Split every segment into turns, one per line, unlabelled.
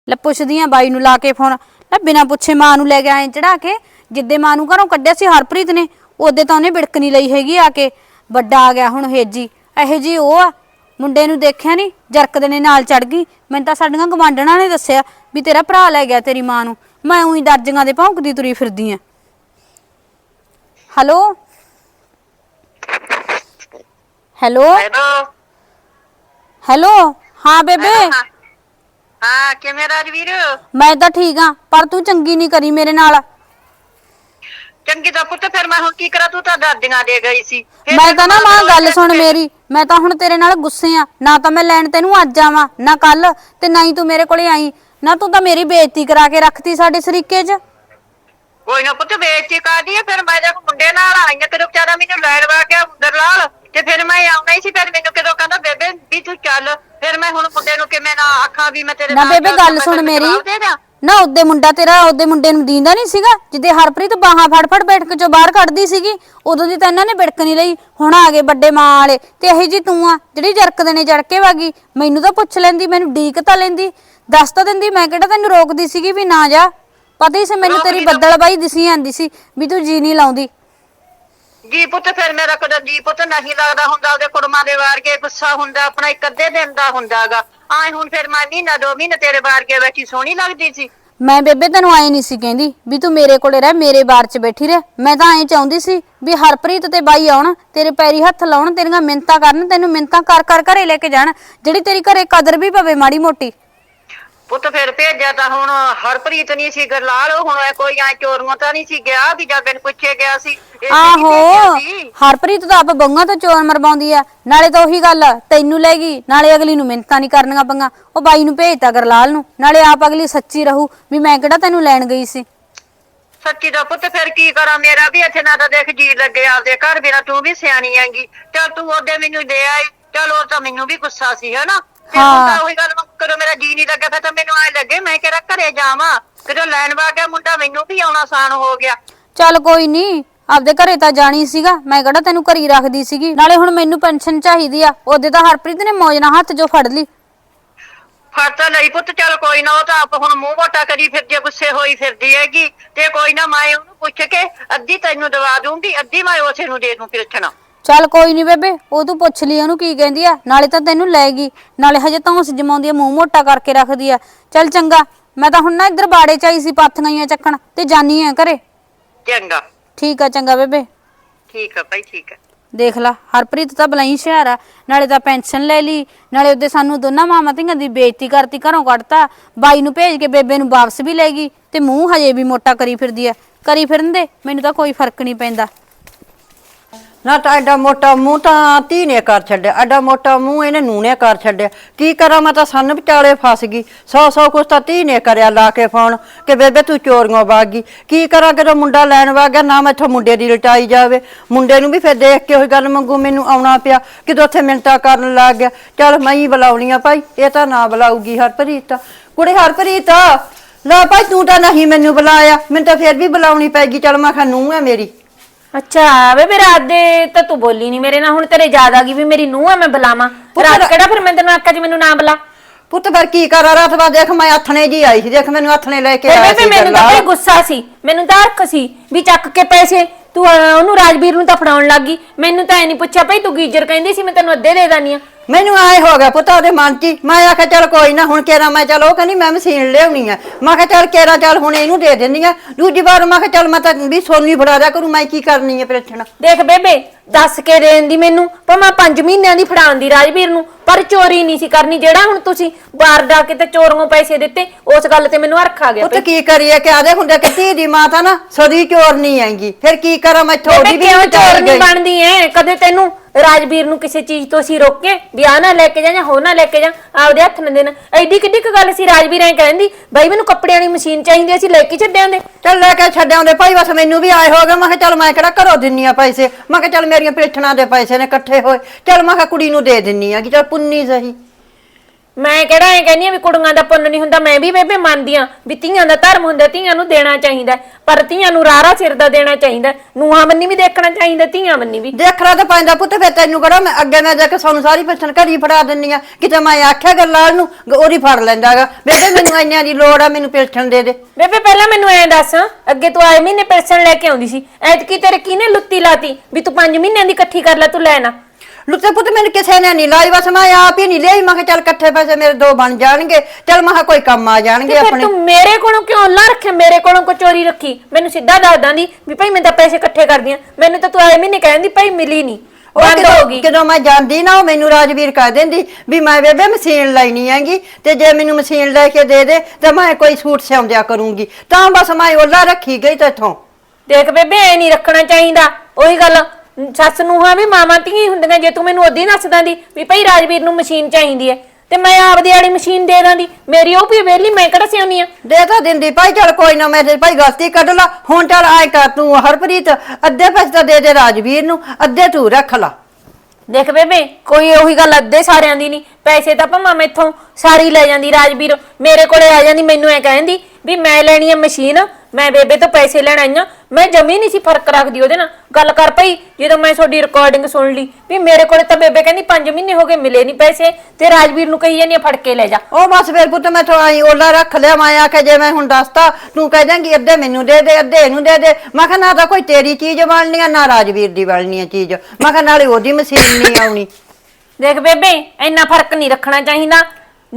ਲੈ ਪੁੱਛਦੀ ਆ ਬਾਈ ਨੂੰ ਲਾ ਕੇ ਫੋਨ। ਲੈ ਬਿਨਾਂ ਪੁੱਛੇ ਮਾਂ ਨੂੰ ਲੈ ਕੇ ਆਏ ਚੜਾ ਕੇ। ਜਿੱਦੇ ਮਾਂ ਨੂੰ ਘਰੋਂ ਕੱਢਿਆ ਸੀ ਹਰਪ੍ਰੀਤ ਨੇ ਉਹਦੇ ਤਾਂ ਉਹਨੇ ਬਿੜਕ ਨਹੀਂ ਲਈ ਹੈਗੀ ਆ ਕੇ। ਵੱਡਾ ਆ ਗਿਆ ਹੁਣ ਹੇਜੀ ਇਹੋ ਜੀ ਉਹ ਆ। ਮੁੰਡੇ ਨੂੰ ਦੇਖਿਆ ਨਹੀਂ ਜਰਕਦੇ ਨੇ ਨਾਲ ਚੜ ਗਈ। ਮੈਨੂੰ ਤਾਂ ਸਾਡੀਆਂ ਗਵਾਂਢਣਾਂ ਨੇ ਦੱਸਿਆ ਵੀ ਤੇਰਾ ਭਰਾ ਲੈ ਗਿਆ ਤੇਰੀ ਮਾਂ ਨੂੰ। ਮੈਂ ਉਹੀ ਦਰਜੀਆਂ ਦੇ ਭੌਂਕਦੀ ਤੁਰੀ ਫਿਰਦੀ ਆ। ਹੈਲੋ ਹੈਲੋ ਹੈਲੋ ਹਾਂ ਬੇਬੇ।
ਹਾਂ ਕਿਵੇਂ ਰਾਜਵੀਰ?
ਮੈਂ ਤਾਂ ਠੀਕ ਆ ਪਰ ਤੂੰ ਚੰਗੀ ਨਹੀਂ ਕਰੀ ਮੇਰੇ ਨਾਲ।
ਚੰਗੀ ਦਾ ਪੁੱਤ ਫਿਰ ਮੈਂ ਹੁਣ ਕੀ ਕਰਾਂ? ਤੂੰ ਤਾਂ ਦਾਦੀਆਂ ਦੇ ਗਈ ਸੀ।
ਮੈਂ ਤਾਂ ਨਾ ਮਾਂ ਗੱਲ ਸੁਣ ਮੇਰੀ। ਮੈਂ ਤਾਂ ਹੁਣ ਤੇਰੇ ਨਾਲ ਗੁੱਸੇ ਆ। ਨਾ ਤਾਂ ਮੈਂ ਲੈਣ ਤੈਨੂੰ ਅੱਜ ਆਵਾਂ ਨਾ ਕੱਲ ਤੇ ਨਾ ਹੀ ਤੂੰ ਮੇਰੇ ਕੋਲੇ ਆਈ। ਨਾ ਤੂੰ ਤਾਂ ਮੇਰੀ ਬੇਇੱਜ਼ਤੀ ਕਰਾ ਕੇ ਰੱਖਤੀ ਸਾਡੇ ਸਰੀਕੇ 'ਚ।
ਕੋਈ ਨਾ ਪੁੱਤ ਬੇਇੱਜ਼ਤੀ ਕਰਦੀ ਆ। ਫਿਰ ਮੈਂ ਜਦ ਮੁੰਡੇ ਨਾਲ ਆਈ ਆ ਤੇਰੇ ਵਿਚਾਰਾ ਮੈਨੂੰ ਲੈਣ ਵਾ ਗਿਆ ਦਰਲਾਲ ਤੇ ਫਿਰ ਮੈਂ ਆਉਣਾ ਹੀ ਸੀ। ਫਿਰ ਮੈਨੂੰ ਕਦੋਂ ਕਹਿੰਦਾ ਬੇਬੇ ਵੀ ਤੂੰ ਚੱਲ। ਫਿਰ ਮੈਂ ਹੁਣ ਮੁੰਡੇ ਨੂੰ ਕਿਵੇਂ ਨਾ ਆਖਾਂ ਵੀ ਮੈਂ ਤੇਰੇ
ਨਾ ਬੇਬੇ ਗੱਲ ਸੁਣ ਮੇਰੀ। ਨਾ ਉਹਦੇ ਮੁੰਡਾ ਤੇਰਾ ਉਹਦੇ ਮੁੰਡੇ ਨੂੰ ਦੀਂਦਾ ਨਹੀਂ ਸੀਗਾ ਜਿੱਦੇ ਹਰਪ੍ਰੀਤ ਬਾਹਾਂ ਫੜ ਫੜ ਬੈਠ ਕੇ ਚੋਂ ਬਾਹਰ ਕੱਢਦੀ ਸੀਗੀ। ਉਦੋਂ ਦੀ ਤਾਂ ਇਹਨਾਂ ਨੇ ਬਿੜਕ ਨਹੀਂ ਲਈ। ਹੁਣ ਆ ਗਏ ਵੱਡੇ ਮਾਂ ਵਾਲੇ ਤੇ ਇਹੀ ਜੀ ਤੂੰ ਆ ਜਿਹੜੀ ਜਰਕਦੇ ਨੇ ਜੜ ਕੇ ਵਾਗੀ। ਮੈਨੂੰ ਤਾਂ ਪੁੱਛ ਲੈਂਦੀ ਮੈਨੂੰ ਡੀਕ ਤਾਂ ਲੈਂਦੀ ਦੱਸ ਤਾਂ ਦਿੰਦੀ। ਮੈਂ ਕਿਹੜਾ ਤੈਨੂੰ ਰੋਕਦੀ ਸੀਗੀ ਵੀ ਨਾ ਜਾ। ਪਤਾ ਹੀ ਸੀ ਮੈਨੂੰ ਤੇਰੀ ਬੱਦਲ ਬਾਈ ਦਿਸੀ ਜਾਂਦੀ ਸੀ ਵੀ ਤੂੰ ਜੀ ਨਹੀਂ ਲਾਉਂਦੀ।
ਜੀ ਪੁੱਤ ਫਿਰ ਮੇਰਾ ਕਦੇ ਜੀ ਪੁੱਤ ਨਹੀਂ ਲੱਗਦਾ ਹੁੰਦਾ। ਉਹਦੇ ਕੁੜਮਾਂ ਦੇ ਵਾਰ ਕੇ ਗੁੱਸਾ ਹੁੰਦਾ ਆਪਣਾ ਇੱਕ ਅੱਧੇ ਦਿਨ ਦਾ ਹੁੰਦਾਗਾ। ਆਏ ਹੁਣ ਫਿਰ ਮੈਂ ਮਹੀਨਾ 2 ਮਹੀਨੇ ਤੇਰੇ ਵਾਰ ਕੇ ਬੈਠੀ ਸੋਹਣੀ ਲੱਗਦੀ ਸੀ।
ਮੈਂ ਬੇਬੇ ਤੈਨੂੰ ਆਏ ਨਹੀਂ ਸੀ ਕਹਿੰਦੀ ਵੀ ਤੂੰ ਮੇਰੇ ਕੋਲੇ ਰਹਿ ਮੇਰੇ ਬਾਰ 'ਚ ਬੈਠੀ ਰਹਿ। ਮੈਂ ਤਾਂ ਐਂ ਚਾਹੁੰਦੀ ਸੀ ਵੀ ਹਰਪ੍ਰੀਤ ਤੇ ਬਾਈ ਆਉਣ ਤੇਰੇ ਪੈਰੀ ਹੱਥ ਲਾਉਣ ਤੇਰੀਆਂ ਮਿੰਨਤਾਂ ਕਰਨ ਤੈਨੂੰ ਮਿੰਨਤਾਂ ਕਰ ਕਰ ਘਰੇ ਲੈ ਕੇ ਜਾਣ ਜਿਹੜੀ ਤੇਰੀ ਘਰੇ ਕਦਰ ਵੀ ਪਵੇ ਮਾੜੀ ਮੋਟੀ।
ਪੁੱਤ ਫਿਰ ਭੇਜਿਆ ਤਾਂ ਹੁਣ ਹਰਪ੍ਰੀਤ ਨਹੀਂ ਸੀ ਗਰਲਾਲ। ਹੁਣ ਕੋਈ ਐ ਚੋਰੀਆਂ ਤਾਂ ਨਹੀਂ ਸੀ ਗਿਆ ਵੀ ਜਦ ਮੈਨੂੰ ਪੁੱਛੇ ਗਿਆ ਸੀ।
ਆਹੋ ਹਰਪ੍ਰੀਤ ਤਾਂ ਆਪ ਬੰਗਾ ਤੋਂ ਚੋਰ ਮਰਵਾਉਂਦੀ ਆ। ਨਾਲੇ ਤਾਂ ਉਹੀ ਗੱਲ ਤੈਨੂੰ ਲੈ ਗਈ ਨਾਲੇ ਅਗਲੀ ਨੂੰ ਮਿੰਨਤਾਂ ਨਹੀਂ ਕਰਨੀਆਂ ਪੰਗਾ। ਉਹ ਬਾਈ ਨੂੰ ਭੇਜਤਾ ਗਰਲਾਲ ਨੂੰ ਨਾਲੇ ਆਪ ਅਗਲੀ ਸੱਚੀ ਰਹੂ ਵੀ ਮੈਂ ਕਿਹੜਾ ਤੈਨੂੰ ਲੈਣ ਗਈ ਸੀ।
ਸੱਚੀ ਦਾ ਪੁੱਤ ਫਿਰ ਕੀ ਕਰਾਂ? ਮੇਰਾ ਵੀ ਇੱਥੇ ਨਾ ਤਾਂ ਦੇਖ ਜੀ ਲੱਗੇ ਆਪਦੇ ਘਰ ਬਿਨਾ। ਤੂੰ ਵੀ ਸਿਆਣੀ ਆਂਗੀ। ਚੱਲ ਤੂੰ ਉਹਦੇ ਮੈਨੂੰ ਦੇ ਆਈ। ਚਲ ਉਹ ਤਾਂ ਮੈਨੂੰ ਵੀ ਗੁੱਸਾ ਸੀ ਹਨਾ। ਹਾਂ ਉਹੀ ਗੱਲ ਕਦੋਂ ਮੇਰਾ ਜੀ ਨਹੀਂ ਲੱਗਿਆ ਫਿਰ ਤਾਂ ਮੈਨੂੰ ਐ ਲੱਗੇ ਮੈਂ ਕਿਹੜਾ ਘਰੇ ਜਾਵਾਂ। ਕਦੋਂ ਲੈਣ ਵਾ ਗਿਆ ਮੁੰਡਾ ਮੈਨੂੰ ਵੀ ਆਉਣਾ ਆਸਾਨ ਹੋ ਗਿਆ।
ਚੱਲ ਕੋਈ ਨਹੀਂ ਆਪਦੇ ਘਰੇ ਤਾਂ ਜਾਣੀ ਸੀਗਾ। ਮੈਂ ਕਿਹੜਾ ਤੈਨੂੰ ਘਰੀ ਰੱਖਦੀ ਸੀਗੀ। ਨਾਲੇ ਹੁਣ ਮੈਨੂੰ ਪੈਨਸ਼ਨ ਚਾਹੀਦੀ ਆ। ਉਹਦੇ ਤਾਂ ਹਰਪ੍ਰੀਤ ਨੇ ਮੌਜ ਨਾਲ ਹੱਥ ਜੋ ਫੜ ਲਈ।
ਫੜ ਤਾਂ ਲਈ ਪੁੱਤ। ਚੱਲ ਕੋਈ ਨਾ ਉਹ ਤਾਂ ਆਪ ਹੁਣ ਮੂੰਹ ਮੋਟਾ ਕਰੀ ਫਿਰਦੀ ਗੁੱਸੇ ਹੋਈ ਫਿਰਦੀ ਹੈਗੀ। ਤੇ ਕੋਈ ਨਾ ਮੈਂ ਉਹਨੂੰ ਪੁੱਛ ਕੇ ਅੱਧੀ ਤੈਨੂੰ ਦਵਾ ਦੂੰਗੀ ਅੱਧੀ ਮੈਂ ਉਸੇ ਨੂੰ ਦੇ ਦੂੰ ਪਿਲਛਣਾ।
ਚੱਲ ਕੋਈ ਨਹੀਂ ਬੇਬੇ ਉਹ ਤੂੰ ਪੁੱਛ ਲਈ ਉਹਨੂੰ ਕੀ ਕਹਿੰਦੀ ਆ। ਨਾਲੇ ਤਾਂ ਤੈਨੂੰ ਲੈ ਗਈ ਨਾਲੇ ਹਜੇ ਤਾਂ ਉਸ ਜਮਾਉਂਦੀ ਆ ਮੂੰਹ ਮੋਟਾ ਕਰਕੇ ਰੱਖਦੀ ਆ। ਚੱਲ ਚੰਗਾ ਮੈਂ ਤਾਂ ਹੁਣ ਨਾ ਇੱਧਰ ਬਾੜੇ ਚ ਆਈ ਸੀ ਪਾਥੀਆਂ ਚੱਕਣ ਤੇ ਜਾਨੀ ਆ ਘਰੇ।
ਚੰਗਾ
ਠੀਕ ਆ ਚੰਗਾ ਬੇਬੇ।
ਠੀਕ ਆ ਭਾਈ ਠੀਕ ਆ।
ਦੇਖ ਲਾ ਹਰਪ੍ਰੀਤ ਤਾਂ ਬਲਾਈ ਹੁਸ਼ਿਆਰ ਆ। ਨਾਲੇ ਤਾਂ ਪੈਨਸ਼ਨ ਲੈ ਲਈ ਨਾਲੇ ਉਹਦੇ ਸਾਨੂੰ ਦੋਨਾਂ ਮਾਵਾਂ ਧੀਆਂ ਦੀ ਬੇਇੱਜ਼ਤੀ ਕਰਤੀ ਘਰੋਂ ਕੱਢਤਾ। ਬਾਈ ਨੂੰ ਭੇਜ ਕੇ ਬੇਬੇ ਨੂੰ ਵਾਪਸ ਵੀ ਲੈ ਗਈ ਤੇ ਮੂੰਹ ਹਜੇ ਵੀ ਮੋਟਾ ਕਰੀ ਫਿਰਦੀ ਆ। ਕਰੀ ਫਿਰਨ ਦੇ ਮੈਨੂੰ ਤਾਂ ਕੋਈ ਫਰਕ ਨਹੀਂ ਪੈਂਦਾ।
ਨਾ ਤਾਂ ਐਡਾ ਮੋਟਾ ਮੂੰਹ ਤਾਂ ਧੀ ਨੇ ਕਰ ਛੱਡਿਆ। ਐਡਾ ਮੋਟਾ ਮੂੰਹ ਇਹਨੇ ਨੂੰਹ ਨੇ ਕਰ ਛੱਡਿਆ। ਕੀ ਕਰਾਂ ਮੈਂ ਤਾਂ ਸੰਨ ਵਿਚਾਲੇ ਫਸ ਗਈ। 100 ਕੁਛ ਤਾਂ ਧੀ ਨੇ ਕਰਿਆ ਲਾ ਕੇ ਫੋਨ ਕਿ ਬੇਬੇ ਤੂੰ ਚੋਰੀਆਂ ਵਗ ਗਈ। ਕੀ ਕਰਾਂ ਜਦੋਂ ਮੁੰਡਾ ਲੈਣ ਵਗ ਗਿਆ ਨਾ ਮੈਥੋਂ ਮੁੰਡੇ ਦੀ ਲਟਾਈ ਜਾਵੇ। ਮੁੰਡੇ ਨੂੰ ਵੀ ਫਿਰ ਦੇਖ ਕੇ ਉਹੀ ਗੱਲ ਮੰਗੂ ਮੈਨੂੰ ਆਉਣਾ ਪਿਆ ਕਿਦੋਂ ਉੱਥੇ ਮਿੰਨਤਾਂ ਕਰਨ ਲੱਗ ਗਿਆ। ਚੱਲ ਮੈਂ ਹੀ ਬੁਲਾਉਣੀ ਆ ਭਾਈ। ਇਹ ਤਾਂ ਨਾ ਬੁਲਾਊਗੀ ਹਰਪ੍ਰੀਤ। ਕੁੜੇ ਹਰਪ੍ਰੀਤ ਲੈ ਭਾਈ ਤੂੰ ਤਾਂ ਨਹੀਂ ਮੈਨੂੰ ਬੁਲਾਇਆ। ਮੈਨੂੰ ਤਾਂ ਫਿਰ ਵੀ ਬੁਲਾਉਣੀ ਪੈਗੀ। ਚੱਲ ਮੈਂ ਕਿਹਾ ਨੂੰਹ ਆ ਮੇਰੀ।
ਅੱਛਾ ਵੇ ਰਾਤ ਦੇ ਤਾਂ ਤੂੰ ਬੋਲੀ ਨਹੀਂ ਮੇਰੇ ਨਾਲ। ਹੁਣ ਤੇਰੇ ਯਾਦ ਆ ਗਈ ਵੀ ਮੇਰੀ ਨੂੰਹ ਆ ਮੈਂ ਬੁਲਾਵਾਂ। ਰਾਤ ਕਿਹੜਾ ਫਿਰ ਮੈਂ ਤੈਨੂੰ ਆਖਿਆ ਜੀ ਮੈਨੂੰ ਨਾ ਬੁਲਾ।
ਪੁੱਤ ਫਿਰ ਕੀ ਕਰਾਂ? ਰਾਤ ਬਾਅਦ ਦੇਖ ਮੈਂ ਆਥਣੇ ਜੀ ਆਈ ਸੀ। ਦੇਖ ਮੈਨੂੰ ਆਥਣੇ ਲੈ ਕੇ ਆਇਆ ਸੀ।
ਮੈਨੂੰ ਤਾਂ ਕੋਈ ਗੁੱਸਾ ਸੀ। ਮੈਨੂੰ ਤਾਂ ਹਰਖ ਸੀ ਵੀ ਚੱਕ ਕੇ ਪੈਸੇ ਤੂੰ ਉਹਨੂੰ ਰਾਜਵੀਰ ਨੂੰ ਤਾਂ ਫੜਾਉਣ ਲੱਗ ਗਈ। ਮੈਨੂੰ ਤਾਂ ਐ ਨਹੀਂ ਪੁੱਛਿਆ ਭਾਈ ਤੂੰ ਗੀਜਰ ਕਹਿੰਦੀ ਸੀ ਮੈਂ ਤੈਨੂੰ ਅੱਧੇ ਦੇ ਦਾਨੀ ਆ।
ਮੈਨੂੰ ਆਏ ਹੋ ਗਿਆ ਪੁੱਤ ਉਹਦੇ ਮਨ 'ਚ। ਮੈਂ ਆਖਿਆ ਚੱਲ ਕੋਈ ਨਾ ਹੁਣ ਕੇਰਾ ਮੈਂ ਚੱਲ ਉਹ ਕਹਿੰਦੀ ਮੈਂ ਮਸ਼ੀਨ ਲਿਆਉਣੀ ਆ। ਮੈਂ ਕਿਹਾ ਚੱਲ ਕੇਰਾ ਚੱਲ ਹੁਣ ਇਹਨੂੰ ਦੇ ਦਿੰਦੀ ਆ। ਦੂਜੀ ਵਾਰ ਮੈਂ ਕਿਹਾ ਚੱਲ ਮੈਂ ਤਾਂ ਵੀ ਸੋਨੀ ਫੜਾ ਦਿਆ ਕਰੂ। ਮੈਂ ਕੀ ਕਰਨੀ ਆ ਪ੍ਰੇਛਣਾ।
ਦੇਖ ਬੇਬੇ ਦੱਸ ਕੇ ਦੇਣ ਦੀ ਮੈਨੂੰ ਭਾਵੇਂ 5 ਮਹੀਨਿਆਂ ਦੀ ਫੜਾਉਣ ਦੀ ਰਾਜਵੀਰ ਨੂੰ ਪਰ ਚੋਰੀ ਨਹੀਂ ਸੀ ਕਰਨੀ। ਜਿਹੜਾ ਹੁਣ ਤੁਸੀਂ ਬਾਹਰ ਜਾ ਕੇ ਤੇ ਚੋਰੀਆਂ ਪੈਸੇ ਦਿੱਤੇ ਉਸ ਗੱਲ ਤੇ ਮੈਨੂੰ ਹਰਖ ਆ ਗਿਆ।
ਪੁੱਤ ਕੀ ਕਰੀਏ ਕਿ ਆਦੇ ਹੁੰਦੇ ਕਿ ਧੀ ਦੀ ਮਾਂ ਤਾਂ ਨਾ ਸਦੀ ਚੋਰ ਨਹੀਂ ਆਏਗੀ। ਫਿਰ ਕੀ ਕਰਾਂ ਮੈਂ ਥੋੜੀ ਵੀ
ਚੋਰ ਨਹੀਂ ਬਣਦੀ ਐ। ਕਦੇ ਤੈਨੂੰ ਰਾਜਵੀਰ ਨੂੰ ਕਿਸੇ ਚੀਜ਼ ਤੋਂ ਅਸੀਂ ਰੋਕੇ ਵੀ ਆ ਨਾ ਲੈ ਕੇ ਜਾ ਜਾਂ ਹੋ ਨਾ ਲੈ ਕੇ ਜਾ ਆਪਦੇ ਹੱਥ ਨਾ ਦੇਣਾ। ਐਡੀ ਕਿੱਡੀ ਕੁ ਗੱਲ ਸੀ। ਰਾਜਵੀਰ ਐ ਕਹਿੰਦੀ ਬਾਈ ਮੈਨੂੰ ਕੱਪੜਿਆਂ ਦੀ ਮਸ਼ੀਨ ਚਾਹੀਦੀ ਅਸੀਂ ਲੈ ਕੇ ਛੱਡਿਆਂ ਦੇ।
ਚੱਲ ਲੈ ਕੇ ਛੱਡਿਆਉਂਦੇ ਭਾਈ ਬਸ ਮੈਨੂੰ ਵੀ ਆਏ ਹੋ ਗਏ। ਮੈਂ ਕਿਹਾ ਚੱਲ ਮੈਂ ਕਿਹੜਾ ਘਰੋਂ ਦਿੰਨੀ ਆ ਪੈਸੇ। ਮੈਂ ਕਿਹਾ ਚੱਲ ਮੇਰੀਆਂ ਪੇਠਣਾ ਦੇ ਪੈਸੇ ਨੇ ਇਕੱਠੇ ਹੋਏ। ਚੱਲ ਮੈਂ ਕਿਹਾ ਕੁੜੀ ਨੂੰ ਦੇ ਦਿੰਨੀ ਆ ਕਿ ਚੱਲ ਪੁੰਨੀ ਸਹੀ।
ਮੈਂ ਕਿਹੜਾ ਐ ਕਹਿੰਦੀ ਆ ਵੀ ਕੁੜੀਆਂ ਦਾ ਪੁੰਨ ਨਹੀਂ ਹੁੰਦਾ। ਮੈਂ ਵੀ ਬੇਬੇ ਮੰਨਦੀ ਆ ਵੀ ਧੀਆਂ ਦਾ ਧਰਮ ਹੁੰਦਾ, ਧੀਆਂ ਨੂੰ ਦੇਣਾ ਚਾਹੀਦਾ, ਪਰ ਧੀਆਂ ਨੂੰ ਰਾਰਾ ਸਿਰ ਦਾ ਦੇਣਾ ਚਾਹੀਦਾ। ਨੂੰਹਾਂ ਬੰਨੀ ਵੀ ਦੇਖਣਾ ਚਾਹੀਦਾ, ਧੀਆਂ ਬੰਨੀ ਵੀ
ਦੇਖਣਾ ਤਾਂ ਪੈਂਦਾ ਪੁੱਤ। ਫਿਰ ਤੈਨੂੰ ਕਿਹੜਾ ਮੈਂ ਅੱਗੇ ਮੈਂ ਜਾ ਕੇ ਸਾਨੂੰ ਸਾਰੀ ਪਿੱਛਣ ਘਰੀ ਫੜਾ ਦਿੰਨੀ ਆ। ਕਿਤੇ ਮੈਂ ਆਖਿਆ ਗੱਲਾਲ ਨੂੰ ਉਹਦੀ ਫੜ ਲੈਂਦਾਗਾ, ਬੇਬੇ ਮੈਨੂੰ ਇੰਨਿਆਂ ਦੀ ਲੋੜ ਆ, ਮੈਨੂੰ ਪਿਲਛਣ ਦੇ ਦੇ।
ਬੇਬੇ ਪਹਿਲਾਂ ਮੈਨੂੰ ਐਂ ਦੱਸ, ਅੱਗੇ ਤੂੰ ਆਏ ਮਹੀਨੇ ਪੈਨਸ਼ਨ ਲੈ ਕੇ ਆਉਂਦੀ ਸੀ, ਐਤਕੀ ਤੇਰੇ ਕਿਹਨੇ ਲੁੱਤੀ ਲਾਤੀ ਵੀ ਤੂੰ 5 ਮਹੀਨਿਆਂ ਦੀ ਇਕੱਠੀ ਕਰ ਲੈ, ਤੂੰ ਲੈ ਨਾ।
ਲੁੱਤੇ ਪੁੱਤ ਮੈਨੂੰ ਕਿਸੇ ਨੇ ਨਹੀਂ ਲਾਈ, ਬਸ ਮੈਂ ਆਪ ਹੀ ਨਹੀਂ ਲਈ। ਮੈਂ ਕਿਹਾ ਚੱਲ ਇਕੱਠੇ ਪੈਸੇ ਮੇਰੇ 2 ਬਣ ਜਾਣਗੇ, ਚੱਲ ਮੈਂ ਕਿਹਾ ਕੋਈ ਕੰਮ ਆ ਜਾਣਗੇ
ਫਿਰ
ਆਪਣੇ।
ਤੂੰ ਮੇਰੇ ਕੋਲੋਂ ਕਿਉਂ ਲਾ ਰੱਖਿਆ, ਮੇਰੇ ਕੋਲੋਂ ਕੋ ਚੋਰੀ ਰੱਖੀ? ਮੈਨੂੰ ਸਿੱਧਾ ਦੱਸ ਦਾਂਦੀ ਵੀ ਭਾਈ ਮੈਂ ਤਾਂ ਪੈਸੇ ਇਕੱਠੇ ਕਰਦੀ ਆ। ਮੈਨੂੰ ਤਾਂ ਤੂੰ ਆਏ ਮਹੀਨੇ ਕਹਿੰਦੀ ਭਾਈ ਮਿਲੀ ਨਹੀਂ, ਬੰਦ ਹੋ ਗਈ।
ਜਦੋਂ ਮੈਂ ਜਾਂਦੀ ਨਾ ਉਹ ਮੈਨੂੰ ਰਾਜਵੀਰ ਕਹਿ ਦਿੰਦੀ ਵੀ ਮੈਂ ਬੇਬੇ ਮਸ਼ੀਨ ਲੈਣੀ ਹੈਗੀ, ਤੇ ਜੇ ਮੈਨੂੰ ਮਸ਼ੀਨ ਲੈ ਕੇ ਦੇ ਦੇ ਤਾਂ ਮੈਂ ਕੋਈ ਸੂਟ ਸਿਉਂਦਿਆ ਕਰੂੰਗੀ। ਤਾਂ ਬਸ ਮੈਂ ਉਹਲਾ ਰੱਖੀ ਗਈ ਤੇਥੋਂ।
ਦੇਖ ਬੇਬੇ ਐ ਨਹੀਂ ਰੱਖਣਾ ਚਾਹੀਦਾ। ਉਹੀ ਗੱਲ, ਸੱਸ ਨੂੰਹਾਂ ਵੀ ਮਾਵਾਂ ਧੀਆਂ ਹੁੰਦੀਆਂ। ਜੇ ਤੂੰ ਮੈਨੂੰ ਉਦੋਂ ਦੱਸ ਦਾਂਦੀ ਵੀ ਭਾਈ ਰਾਜਵੀਰ ਨੂੰ ਮਸ਼ੀਨ ਚਾਹੀਦੀ ਹੈ ਤੇ ਮੈਂ ਆਪਦੀ ਵਾਲੀ ਮਸ਼ੀਨ ਦੇ ਦਾਂਦੀ। ਮੇਰੀ ਉਹ ਵੀ ਵਿਹਲੀ, ਮੈਂ ਕਿਹੜਾ ਸਿਆਉਣੀ ਆ।
ਦੇ ਤਾਂ ਦਿੰਦੀ ਭਾਈ, ਚੱਲ ਕੋਈ ਨਾ, ਮੈਂ ਤੇ ਭਾਈ ਗਲਤੀ ਕੱਢ ਲਾ। ਹੁਣ ਚੱਲ ਆਏ ਕਰ ਤੂੰ ਹਰਪ੍ਰੀਤ, ਅੱਧੇ ਪੈਸੇ ਤਾਂ ਦੇ ਦੇ ਰਾਜਵੀਰ ਨੂੰ, ਅੱਧੇ ਤੂੰ ਰੱਖ ਲਾ।
ਦੇਖ ਬੇਬੇ ਕੋਈ ਉਹੀ ਗੱਲ ਅੱਧੇ ਸਾਰਿਆਂ ਦੀ ਨਹੀਂ। ਪੈਸੇ ਤਾਂ ਭਾਵੇਂ ਮੈਥੋਂ ਸਾਰੀ ਲੈ ਜਾਂਦੀ ਰਾਜਵੀਰ, ਮੇਰੇ ਕੋਲੇ ਆ ਜਾਂਦੀ, ਮੈਨੂੰ ਐ ਕਹਿੰਦੀ ਵੀ ਮੈਂ ਲੈਣੀ ਆ ਮਸ਼ੀਨ, ਮੈਂ ਬੇਬੇ ਤੋਂ ਪੈਸੇ ਲੈਣ ਆਈ ਆ। ਮੈਂ ਜਮੀ ਨਹੀਂ ਸੀ ਫਰਕ ਰੱਖਦੀ ਉਹਦੇ ਨਾਲ। ਗੱਲ ਕਰ ਪਈ ਜਦੋਂ ਮੈਂ ਤੁਹਾਡੀ ਰਿਕਾਰਡਿੰਗ ਸੁਣ ਲਈ ਵੀ ਮੇਰੇ ਕੋਲੇ ਤਾਂ ਬੇਬੇ ਕਹਿੰਦੀ 5 ਮਹੀਨੇ ਹੋ ਗਏ ਮਿਲੇ ਨਹੀਂ ਪੈਸੇ, ਤੇ ਰਾਜਵੀਰ ਨੂੰ ਕਹੀ ਜਾਂਦੀ ਆ ਫੜ ਕੇ ਲੈ ਜਾ।
ਉਹ ਬਸ ਫਿਰ ਪੁੱਤ ਮੈਂ ਤੋਂ ਆਈ ਉਹਲਾ ਰੱਖ ਲਿਆ। ਮੈਂ ਆਖਿਆ ਜੇ ਮੈਂ ਹੁਣ ਦੱਸਤਾ ਤੂੰ ਕਹਿ ਜਾਏਂਗੀ ਅੱਧੇ ਮੈਨੂੰ ਦੇ ਦੇ ਅੱਧੇ ਇਹਨੂੰ ਦੇ ਦੇ। ਮੈਂ ਕਿਹਾ ਨਾ ਤਾਂ ਕੋਈ ਤੇਰੀ ਚੀਜ਼ ਬਣਨੀ ਆ ਨਾ ਰਾਜਵੀਰ ਦੀ ਬਣਨੀ ਆ ਚੀਜ਼। ਮੈਂ ਕਿਹਾ ਨਾਲੇ ਉਹਦੀ ਮਸ਼ੀਨ ਨਹੀਂ ਆਉਣੀ।
ਦੇਖ ਬੇਬੇ ਇੰਨਾ ਫਰਕ ਨਹੀਂ ਰੱਖਣਾ ਚਾਹੀਦਾ।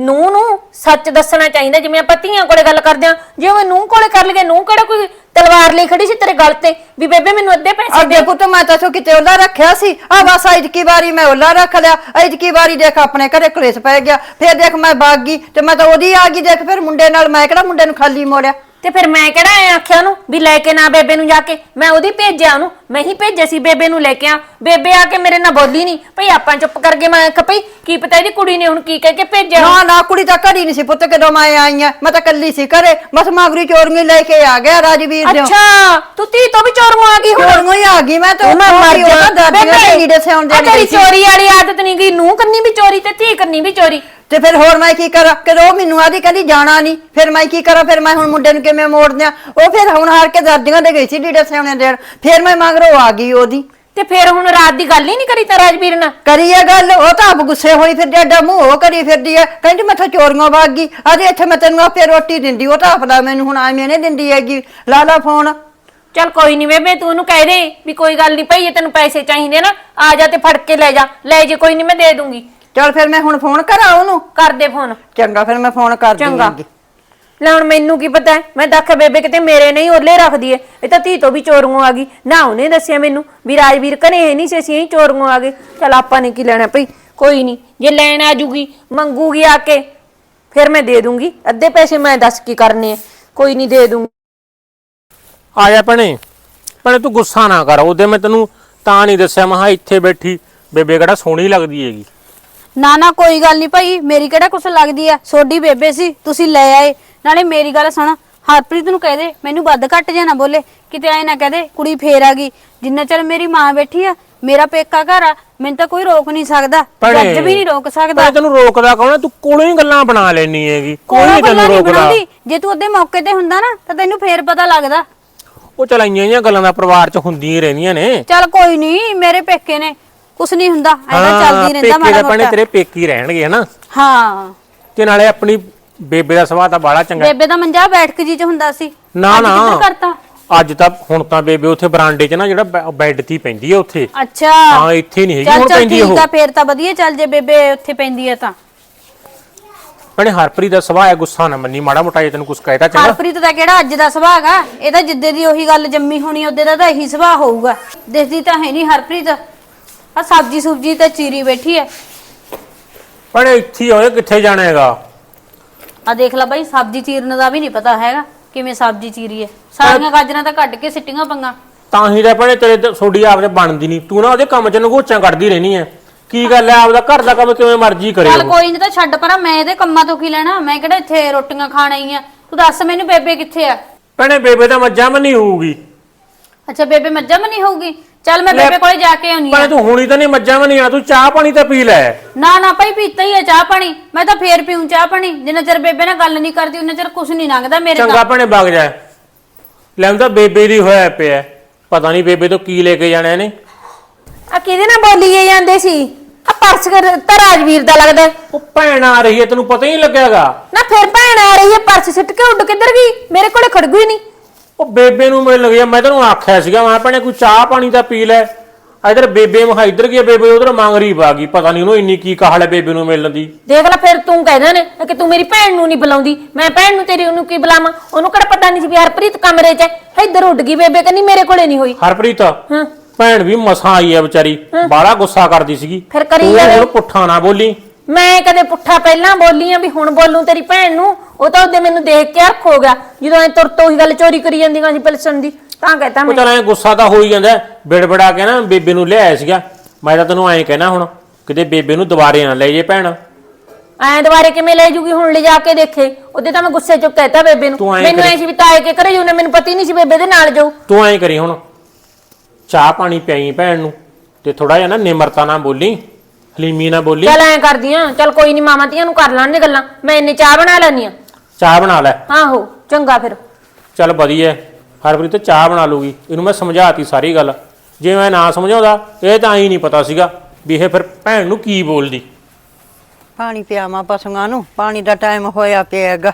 ਨੂੰ ਸੱਚ ਦੱਸਣਾ ਚਾਹੀਦਾ। ਜਿਵੇਂ ਆਪਾਂ ਧੀਆਂ ਕੋਲੇ ਗੱਲ ਕਰਦੇ ਆ, ਜੇ ਉਹ ਨੂੰਹ ਕੋਲੇ ਕਰ ਲਈਏ, ਨੂੰਹ ਕਿਹੜਾ ਕੋਈ ਤਲਵਾਰ ਲਈ ਖੜੀ ਸੀ ਤੇਰੇ ਗਲ ਤੇ ਵੀ ਬੇਬੇ ਮੈਨੂੰ ਅੱਧੇ ਪੈਸੇ
ਅੱਗੇ ਪੁੱਤ ਮੈਂ ਤਾਂ ਸੋ ਕਿਤੇ ਉਹਲਾ ਰੱਖਿਆ ਸੀ। ਆ ਬਸ ਐਤਕੀ ਵਾਰੀ ਮੈਂ ਉਹਲਾ ਰੱਖ ਲਿਆ। ਐਤਕੀ ਵਾਰੀ ਦੇਖ ਆਪਣੇ ਘਰੇ ਕਲੇਸ਼ ਪੈ ਗਿਆ। ਫਿਰ ਦੇਖ ਮੈਂ ਭਾਗ ਗਈ ਤੇ ਮੈਂ ਤਾਂ ਉਹਦੀ ਆ ਗਈ। ਦੇਖ ਫਿਰ ਮੁੰਡੇ ਨਾਲ ਮੈਂ ਕਿਹੜਾ ਮੁੰਡੇ ਨੂੰ ਖਾਲੀ ਮੋੜਿਆ।
ਤੇ ਫਿਰ ਮੈਂ ਕਿਹੜਾ ਐ ਆਖਿਆ ਉਹਨੂੰ ਵੀ ਲੈ ਕੇ ਨਾ ਬੇਬੇ ਨੂੰ ਜਾ ਕੇ, ਮੈਂ ਉਹਦੀ ਭੇਜਿਆ ਉਹਨੂੰ, ਮੈਂ ਹੀ ਭੇਜਿਆ ਸੀ ਬੇਬੇ ਨੂੰ ਲੈ ਕੇ ਆ। ਬੇਬੇ ਆ ਕੇ ਮੇਰੇ ਨਾਲ ਬੋਲੀ ਨਹੀਂ ਭਈ, ਆਪਾਂ ਚੁੱਪ ਕਰ ਗਏ। ਮੈਂ ਆਖਿਆ ਭਈ ਕੀ ਪਤਾ ਇਹਦੀ ਕੁੜੀ ਨੇ ਹੁਣ ਕੀ ਕਹਿ ਕੇ ਭੇਜਿਆ।
ਨਾ ਨਾ ਕੁੜੀ ਤਾਂ ਘੜੀ ਨਹੀਂ ਸੀ ਪੁੱਤ ਕਦੋਂ ਮੈਂ ਆਈ ਆ। ਮੈਂ ਤਾਂ ਕੱਲੀ ਸੀ ਘਰੇ, ਬਸ ਮਾਗਰੀ ਚੋਰੀਆਂ ਲੈ ਕੇ ਆ ਗਿਆ ਰਾਜਵੀਰ ਦੇ।
ਅੱਛਾ ਤੂੰ ਧੀ ਤੋਂ ਵੀ ਚੋਰ ਆ ਗਈ ਹੁਣ?
ਚੋਰੀਆਂ ਹੀ ਆ ਗਈ ਮੈਂ ਤਾਂ।
ਮੈਂ ਮਰ ਜਾ
ਦਾਦੀਆਂ ਨੀੜੇ ਸਿਆਉਣ
ਤੇਰੀ
ਦੇਣੀ
ਚੋਰੀ ਵਾਲੀ ਆਦਤ ਨਹੀਂ ਗਈ। ਨੂੰਹ ਕੰਨੀ ਵੀ ਚੋਰੀ ਤੇ ਧੀ ਕੰਨੀ ਵੀ ਚੋਰੀ।
ਤੇ ਫਿਰ ਹੋਰ ਮੈਂ ਕੀ ਕਰਾਂ? ਕਿ ਉਹ ਮੈਨੂੰ ਆਦੀ ਕਹਿੰਦੀ ਜਾਣਾ ਨਹੀਂ, ਫਿਰ ਮੈਂ ਕੀ ਕਰਾਂ? ਫਿਰ ਮੈਂ ਹੁਣ ਮੁੰਡੇ ਨੂੰ ਕਿਵੇਂ ਮੋੜ ਦਿਆਂ? ਉਹ ਫਿਰ ਹੁਣ ਹਾਰ ਕੇ ਦਾਦੀਆਂ ਦੇ ਗਈ ਸੀ ਨੀੜੇ ਸਿਆਉਣੇ ਦੇਣ। ਫਿਰ ਮੈਂ ਮਗਰੋਂ ਆ ਗਈ ਉਹਦੀ।
ਤੇ ਫਿਰ ਹੁਣ ਰਾਤ ਦੀ ਗੱਲ ਹੀ ਨਹੀਂ ਕਰੀ ਤਾਂ ਰਾਜਵੀਰ ਨਾਲ?
ਕਰੀ ਇਹ ਗੱਲ, ਉਹ ਤਾਂ ਆਪ ਗੁੱਸੇ ਹੋਈ ਫਿਰ ਡਾਡਾ ਮੂੰਹ ਉਹ ਕਰੀ ਫਿਰਦੀ ਐ। ਕਹਿੰਦੀ ਮੈਂ ਤਾਂ ਚੋਰੀਆਂ ਵਗ ਗਈ। ਅਜੇ ਇੱਥੇ ਮੈਂ ਤੈਨੂੰ ਆਪੇ ਰੋਟੀ ਦਿੰਦੀ, ਉਹ ਤਾਂ ਆਪਦਾ ਮੈਨੂੰ ਹੁਣ ਐਵੇਂ ਨਹੀਂ ਦਿੰਦੀ ਹੈਗੀ। ਲਾ ਲਾ ਫੋਨ।
ਚੱਲ ਕੋਈ ਨਹੀਂ ਬੇਬੇ, ਤੂੰ ਉਹਨੂੰ ਕਹਿ ਦੇ ਵੀ ਕੋਈ ਗੱਲ ਨਹੀਂ ਭਾਈ, ਜੇ ਤੈਨੂੰ ਪੈਸੇ ਚਾਹੀਦੇ ਨਾ ਆ ਜਾ ਤੇ ਫੜ ਕੇ ਲੈ ਜਾ। ਲੈ ਜੇ ਕੋਈ ਨਹੀਂ ਮੈਂ ਦੇ ਦੂੰਗੀ।
ਚੱਲ ਫਿਰ ਮੈਂ ਹੁਣ ਫੋਨ ਕਰਾਂ ਉਹਨੂੰ?
ਕਰ ਦੇ ਫੋਨ।
ਚੰਗਾ ਫਿਰ ਮੈਂ ਫੋਨ ਕਰ
ਚੰਗਾ।
ਦੂੰਗੀ।
ਲੈ ਹੁਣ ਮੈਨੂੰ ਕੀ ਪਤਾ, ਮੈਂ ਦੱਖ ਬੇਬੇ ਕਿਤੇ ਮੇਰੇ ਨਹੀਂ ਓਲੇ ਰੱਖਦੀ ਏ। ਇਹ ਤਾਂ ਧੀ ਤੋਂ ਵੀ ਚੋਰੀਆਂ ਆ ਗਈ ਨਾ। ਉਹਨੇ ਦੱਸਿਆ ਮੈਨੂੰ ਵੀ ਰਾਜਵੀਰ ਘਰੇ ਹੈ ਨਹੀਂ ਸੀ, ਅਸੀਂ ਹੀ ਚੋਰੀਆਂ ਆ ਗਏ। ਚੱਲ ਆਪਾਂ ਨੇ ਕੀ ਲੈਣਾ ਭਈ, ਕੋਈ ਨਹੀਂ ਜੇ ਲੈਣ ਆ ਜੂਗੀ ਮੰਗੂਗੀ ਆ ਕੇ ਫਿਰ ਮੈਂ ਦੇ ਦੂੰਗੀ। ਅੱਧੇ ਪੈਸੇ ਮੈਂ ਦੱਸ ਕੀ ਕਰਨੇ ਆ, ਕੋਈ ਨਹੀਂ ਦੇ ਦੂੰਗੀ।
ਆ ਜਾ ਭੈਣੇ, ਭੈਣੇ ਤੂੰ ਗੁੱਸਾ ਨਾ ਕਰ। ਉਹਦੇ ਮੈਂ ਤੈਨੂੰ ਤਾਂ ਨਹੀਂ ਦੱਸਿਆ, ਮੈਂ ਇੱਥੇ ਬੈਠੀ ਬੇਬੇ ਕਿਹੜਾ ਸੋਹਣੀ ਲੱਗਦੀ ਹੈਗੀ।
ਨਾ ਨਾ ਕੋਈ ਗੱਲ ਨਹੀਂ ਭਾਈ, ਮੇਰੀ ਕਿਹੜਾ ਕੁਛ ਲੱਗਦੀ ਆ। ਸੋਡੀ ਬੇਬੇ ਸੀ, ਤੁਸੀਂ ਲੈ ਆਏ। ਨਾਲੇ ਮੇਰੀ ਗੱਲ ਸੁਣ, ਹਰਪ੍ਰੀਤ ਨੂੰ ਕਹਿ ਦੇ ਮੈਨੂੰ ਵੱਧ ਘੱਟ ਜਾਂ ਨਾ ਬੋਲੇ, ਕਿਤੇ ਐ ਨਾ ਕਹਦੇ ਕੁੜੀ ਫੇਰ ਆ ਗਈ। ਜਿੰਨਾ ਚਿਰ ਮੇਰੀ ਮਾਂ ਬੈਠੀ ਆ, ਮੇਰਾ ਪੇਕਾ ਘਰ ਆ, ਮੈਨੂੰ ਤਾਂ ਕੋਈ ਰੋਕ ਨਹੀਂ ਸਕਦਾ, ਜੱਜ ਵੀ ਨਹੀਂ ਰੋਕ ਸਕਦਾ।
ਮੈਂ ਤੈਨੂੰ ਰੋਕਦਾ ਕੌਣ? ਤੂੰ ਕੋਲੋਂ ਹੀ ਗੱਲਾਂ ਬਣਾ ਲੈਣੀ ਹੈਗੀ, ਕੋਈ ਨਹੀਂ ਤੈਨੂੰ ਰੋਕਦਾ।
ਜੇ ਤੂੰ ਉਹਦੇ ਮੌਕੇ ਤੇ ਹੁੰਦਾ ਨਾ ਤਾਂ ਤੈਨੂੰ ਫੇਰ ਪਤਾ ਲੱਗਦਾ।
ਉਹ ਚਲਾਈਆਂ ਜੀਆਂ ਗੱਲਾਂ ਦਾ ਪਰਿਵਾਰ 'ਚ ਹੁੰਦੀਆਂ ਹੀ ਰਹਿੰਦੀਆਂ ਨੇ।
ਚੱਲ ਕੋਈ ਨਹੀਂ, ਮੇਰੇ ਪੇਕੇ ਨੇ, ਕੁਛ ਨਹੀਂ ਹੁੰਦਾ, ਐਵੇਂ ਚੱਲਦੀ ਰਹਿੰਦਾ ਮਾੜਾ ਮੋਟਾ।
ਭੈਣੇ ਤੇਰੇ ਪੇਕੀ ਰਹਿਣਗੇ ਹਨਾ।
ਹਾਂ
ਤੇ ਨਾਲੇ ਆਪਣੀ ਬੇਬੇ ਦਾ ਸੁਭਾਅ ਤਾਂ ਬਾਹਲਾ ਚੰਗਾ।
ਬੇਬੇ ਦਾ ਮੰਜਾ ਬੈਠਕ ਜੀ ਚ ਹੁੰਦਾ ਸੀ।
ਨਾ ਨਾ
ਕਰਤਾ
ਅੱਜ ਤਾਂ ਹੁਣ ਤਾਂ ਬੇਬੇ ਉੱਥੇ ਬਰਾਂਡੇ 'ਚ ਨਾ ਜਿਹੜਾ ਬੈੱਡ ਤੇ ਪੈਂਦੀ ਹੈ ਉੱਥੇ।
ਅੱਛਾ
ਹਾਂ ਇੱਥੇ ਨਹੀਂ ਹੈਗੀ ਹੁਣ ਪੈਂਦੀ ਉਹ।
ਠੀਕ ਆ ਫੇਰ ਤਾਂ ਵਧੀਆ। ਚੱਲ ਜੇ ਬੇਬੇ ਉੱਥੇ ਪੈਂਦੀ ਹੈ ਤਾਂ।
ਭੈਣੇ ਹਰਪ੍ਰੀਤ ਦਾ ਸੁਭਾਅ ਹੈ, ਗੁੱਸਾ ਨਾ ਮੰਨੀ ਮਾੜਾ ਮੋਟਾ। ਜੇ ਤੈਨੂੰ ਕੁਝ ਕਹਿਤਾ ਚੰਗਾ।
ਹਰਪ੍ਰੀਤ ਦਾ ਕਿਹੜਾ ਅੱਜ ਦਾ ਸੁਭਾਅ ਹੈਗਾ? ਇਹ ਤਾਂ ਜਿੱਦੇ ਦੀ ਉਹੀ ਗੱਲ ਜੰਮੀ ਹੋਣੀ ਉਹਦੇ ਦਾ ਤਾਂ ਇਹੀ ਸੁਭਾਅ ਹੋਊਗਾ। ਦਿਸਦੀ ਤਾਂ ਹੈ ਨਹੀਂ ਹਰਪ੍ਰੀਤ। ਆ ਸਬਜੀ ਸੁਬਜੀ ਤਾਂ ਚੀਰੀ ਬੈਠੀ ਹੈ।
ਭੈਣੇ ਇੱਥੇ ਹੋਏ ਕਿੱਥੇ ਜਾਣਾ ਹੈਗਾ?
ਆ ਦੇਖ ਲੈ ਬਾਈ, ਸਬਜੀ ਚੀਰਨ ਦਾ ਵੀ ਨਹੀਂ ਪਤਾ ਹੈਗਾ ਕਿਵੇਂ ਸਬਜੀ ਚੀਰੀ ਹੈ। ਸਾਰੀਆਂ ਗਾਜਰਾਂ ਤਾਂ ਕੱਢ ਕੇ ਸਿੱਟੀਆਂ ਪੰਗਾ।
ਤਾਂ ਹੀ ਤਾਂ ਭੈਣੇ ਤੇਰੇ ਤੁਹਾਡੀ ਆਪਦੇ ਬਣਦੀ ਨਹੀਂ। ਤੂੰ ਨਾ ਉਹਦੇ ਕੰਮ 'ਚ ਨਗੋਚਾਂ ਕੱਢਦੀ ਰਹਿਣੀ ਹੈ। ਕੀ ਗੱਲ ਹੈ, ਆਪਦਾ ਘਰ ਦਾ ਕੰਮ ਕਿਵੇਂ ਮਰਜ਼ੀ ਕਰੇ।
ਚੱਲ ਕੋਈ ਨਹੀਂ, ਤਾਂ ਛੱਡ ਪਰਾਂ, ਮੈਂ ਇਹਦੇ ਕੰਮਾਂ ਤੋਂ ਕੀ ਲੈਣਾ? ਮੈਂ ਕਿਹੜਾ ਇੱਥੇ ਰੋਟੀਆਂ ਖਾਣ ਆਈ ਆ? ਤੂੰ ਦੱਸ ਮੈਨੂੰ ਬੇਬੇ ਕਿੱਥੇ ਆ?
ਭੈਣੇ ਬੇਬੇ ਤਾਂ ਮੱਝਾਂ ਮੰਨੀ ਹੋਊਗੀ।
ਅੱਛਾ ਬੇਬੇ ਮੱਝਾਂ ਮਨੀ ਹੋਊਗੀ। ਚੱਲ ਮੈਂ ਬੇਬੇ ਕੋਲੇ ਜਾ ਕੇ ਆਉਣੀ ਆ।
ਭੈਣੇ ਤੂੰ ਹੁਣੀ ਤਾਂ ਨਹੀਂ ਮੱਝਾਂ ਵੀ ਨਹੀਂ ਆ, ਤੂੰ ਚਾਹ ਪਾਣੀ ਤਾਂ ਪੀ ਲੈ।
ਨਾ ਭਾਈ ਪੀਤਾ ਹੀ ਹੈ ਚਾਹ ਪਾਣੀ, ਮੈਂ ਤਾਂ ਫੇਰ ਪੀਉਂ ਚਾਹ ਪਾਣੀ। ਜਿੰਨਾ ਚਿਰ ਬੇਬੇ ਨਾਲ ਗੱਲ ਨਹੀਂ ਕਰਦੀ ਉਹਨਾਂ ਚਿਰ ਕੁਝ ਨਹੀਂ ਲੰਘਦਾ ਮੇਰੇ
ਚੰਗਾ ਭੈਣੇ ਵਗ ਜਾ। ਲੈਂਦਾ ਬੇਬੇ ਦੀ ਹੋਇਆ ਪਿਆ, ਪਤਾ ਨਹੀਂ ਬੇਬੇ ਤੋਂ ਕੀ ਲੈ ਕੇ ਜਾਣਾ ਇਹਨੇ।
ਆ ਕਿਹਦੇ ਨਾਲ ਬੋਲੀਏ ਜਾਂਦੇ ਸੀ? ਆ ਪਰਸ ਤਾਂ ਰਾਜਵੀਰ ਦਾ ਲੱਗਦਾ।
ਉਹ ਭੈਣ ਆ ਰਹੀ ਹੈ, ਤੈਨੂੰ ਪਤਾ ਹੀ ਨਹੀਂ ਲੱਗਿਆਗਾ।
ਨਾ ਫਿਰ ਭੈਣ ਆ ਰਹੀ ਹੈ, ਪਰਸ ਸਿੱਟ ਕੇ ਉੱਡ ਕਿੱਧਰ ਗਈ? ਮੇਰੇ ਕੋਲੇ ਖੜਗੂ ਹੀ ਨਹੀਂ।
ਉਹ ਬੇਬੇ ਨੂੰ ਮਿਲ ਗਿਆ, ਮੈਂ ਤੈਨੂੰ ਆਖਿਆ ਸੀਗਾ ਮੈਂ ਭੈਣੇ ਕੋਈ ਚਾਹ ਪਾਣੀ ਤਾਂ ਪੀ ਲੈ। ਇਧਰ ਬੇਬੇ ਮਹਾ ਇੱਧਰ ਗਿਆ, ਬੇਬੇ ਉਧਰ ਮੰਗਰੀ ਪਾ ਗਈ, ਪਤਾ ਨਹੀਂ ਉਹਨੂੰ ਇੰਨੀ ਕੀ ਕਾਹਲ ਹੈ ਬੇਬੇ ਨੂੰ ਮਿਲਣ ਦੀ।
ਦੇਖ ਲੈ ਫਿਰ ਤੂੰ ਕਹਿੰਦਾ ਨੇ ਕਿ ਤੂੰ ਮੇਰੀ ਭੈਣ ਨੂੰ ਨਹੀਂ ਬੁਲਾਉਂਦੀ, ਮੈਂ ਭੈਣ ਨੂੰ ਤੇਰੀ ਉਹਨੂੰ ਕੀ ਬੁਲਾਵਾਂ? ਉਹਨੂੰ ਕਿਹੜਾ ਪਤਾ ਨਹੀਂ ਸੀ ਵੀ ਹਰਪ੍ਰੀਤ ਕਮਰੇ 'ਚ ਹੈ। ਇੱਧਰ ਉੱਡ ਗਈ ਬੇਬੇ, ਕਹਿੰਦੀ ਮੇਰੇ ਕੋਲੇ ਨਹੀਂ ਹੋਈ।
ਹਰਪ੍ਰੀਤ
ਹਾਂ
ਭੈਣ ਵੀ ਮਸਾਂ ਆਈ ਹੈ ਵਿਚਾਰੀ, ਬਾਹਲਾ ਗੁੱਸਾ ਕਰਦੀ ਸੀਗੀ।
ਫਿਰ ਕਰੀ
ਤੂੰ
ਜਾਵੇ।
ਹੁਣ ਪੁੱਠਾ ਨਾ ਬੋਲੀ।
ਮੈਂ ਕਦੇ ਪੁੱਠਾ ਪਹਿਲਾਂ ਬੋਲੀ ਆ ਵੀ ਹੁਣ ਬੋਲੂੰ ਤੇਰੀ ਭੈਣ ਨੂੰ? ਉਹ ਤਾਂ ਉਹਦੇ ਮੈਨੂੰ ਦੇਖ ਕੇ ਅੱਖ ਹੋ ਗਿਆ ਜਦੋਂ ਐ ਤੁਰ ਤੋਂ ਹੀ ਗੱਲ ਚੋਰੀ ਕਰੀ ਜਾਂਦੀਆਂ ਸੀ ਪਿਲਸਣ ਦੀ, ਤਾਂ ਕਹਤਾ
ਉਹ
ਮੈਂ।
ਚੱਲ ਐ ਗੁੱਸਾ ਤਾਂ ਹੋ ਹੀ ਜਾਂਦਾ, ਬਿੜਬੜਾ ਕੇ ਨਾ ਬੇਬੇ ਨੂੰ ਲਿਆਇਆ ਸੀਗਾ। ਮੈਂ ਤਾਂ ਤੈਨੂੰ ਐਂ ਕਹਿਣਾ ਹੁਣ ਕਿਤੇ ਬੇਬੇ ਨੂੰ ਦੁਬਾਰੇ ਨਾ ਲੈ ਜੇ ਭੈਣ।
ਐ ਦੁਬਾਰੇ ਕਿਵੇਂ ਲੈ ਜੂਗੀ? ਹੁਣ ਲਿਜਾ ਕੇ ਦੇਖੇ। ਉਹਦੇ ਤਾਂ ਮੈਂ ਗੁੱਸੇ ਚ ਕਹਿਤਾ ਬੇਬੇ ਨੂੰ।
ਤੂੰ ਐਂ
ਮੈਨੂੰ ਐ ਸੀ ਵੀ ਤਾਏ ਕੇ ਘਰੇ ਜਾਊ, ਮੈਨੂੰ ਪਤਾ ਹੀ ਨਹੀਂ ਸੀ ਬੇਬੇ ਦੇ ਨਾਲ ਜਾਊ।
ਤੂੰ ਐਂ ਕਰੀ ਹੁਣ ਚਾਹ ਪਾਣੀ ਪਿਆਈ ਭੈਣ ਨੂੰ, ਤੇ ਥੋੜਾ ਜਿਹਾ ਨਾ ਨਿਮਰਤਾ ਨਾਲ ਬੋਲੀ, ਹਲੀਮੀ ਨਾਲ ਬੋਲੀ।
ਚੱਲ ਐ ਕਰਦੀ ਆ, ਚੱਲ ਕੋਈ ਨਹੀਂ ਮਾਮਾ ਧੀਆਂ ਨੂੰ ਕਰ ਲਾਂਗੇ ਗੱਲਾਂ, ਮੈਂ ਇੰਨੇ ਚਾਹ ਬਣਾ ਲੈਣੀ ਆ।
ਚਾਹ ਬਣਾ ਲੈ।
ਆਹੋ ਚੰਗਾ ਫਿਰ।
ਚੱਲ ਵਧੀਆ, ਹਰਪ੍ਰੀਤ ਚਾਹ ਬਣਾ ਲੂਗੀ। ਇਹਨੂੰ ਮੈਂ ਸਮਝਾਤੀ ਸਾਰੀ ਗੱਲ, ਜੇ ਮੈਂ ਨਾ ਸਮਝਾਉਂਦਾ ਇਹ ਤਾਂ ਐਂ ਨਹੀਂ ਪਤਾ ਸੀਗਾ ਵੀ ਇਹ ਫਿਰ ਭੈਣ ਨੂੰ ਕੀ ਬੋਲਦੀ।
ਪਾਣੀ ਪਿਆਵਾਂ ਪਸ਼ੂਆਂ ਨੂੰ, ਪਾਣੀ ਦਾ ਟਾਈਮ ਹੋਇਆ ਪਿਆਗਾ।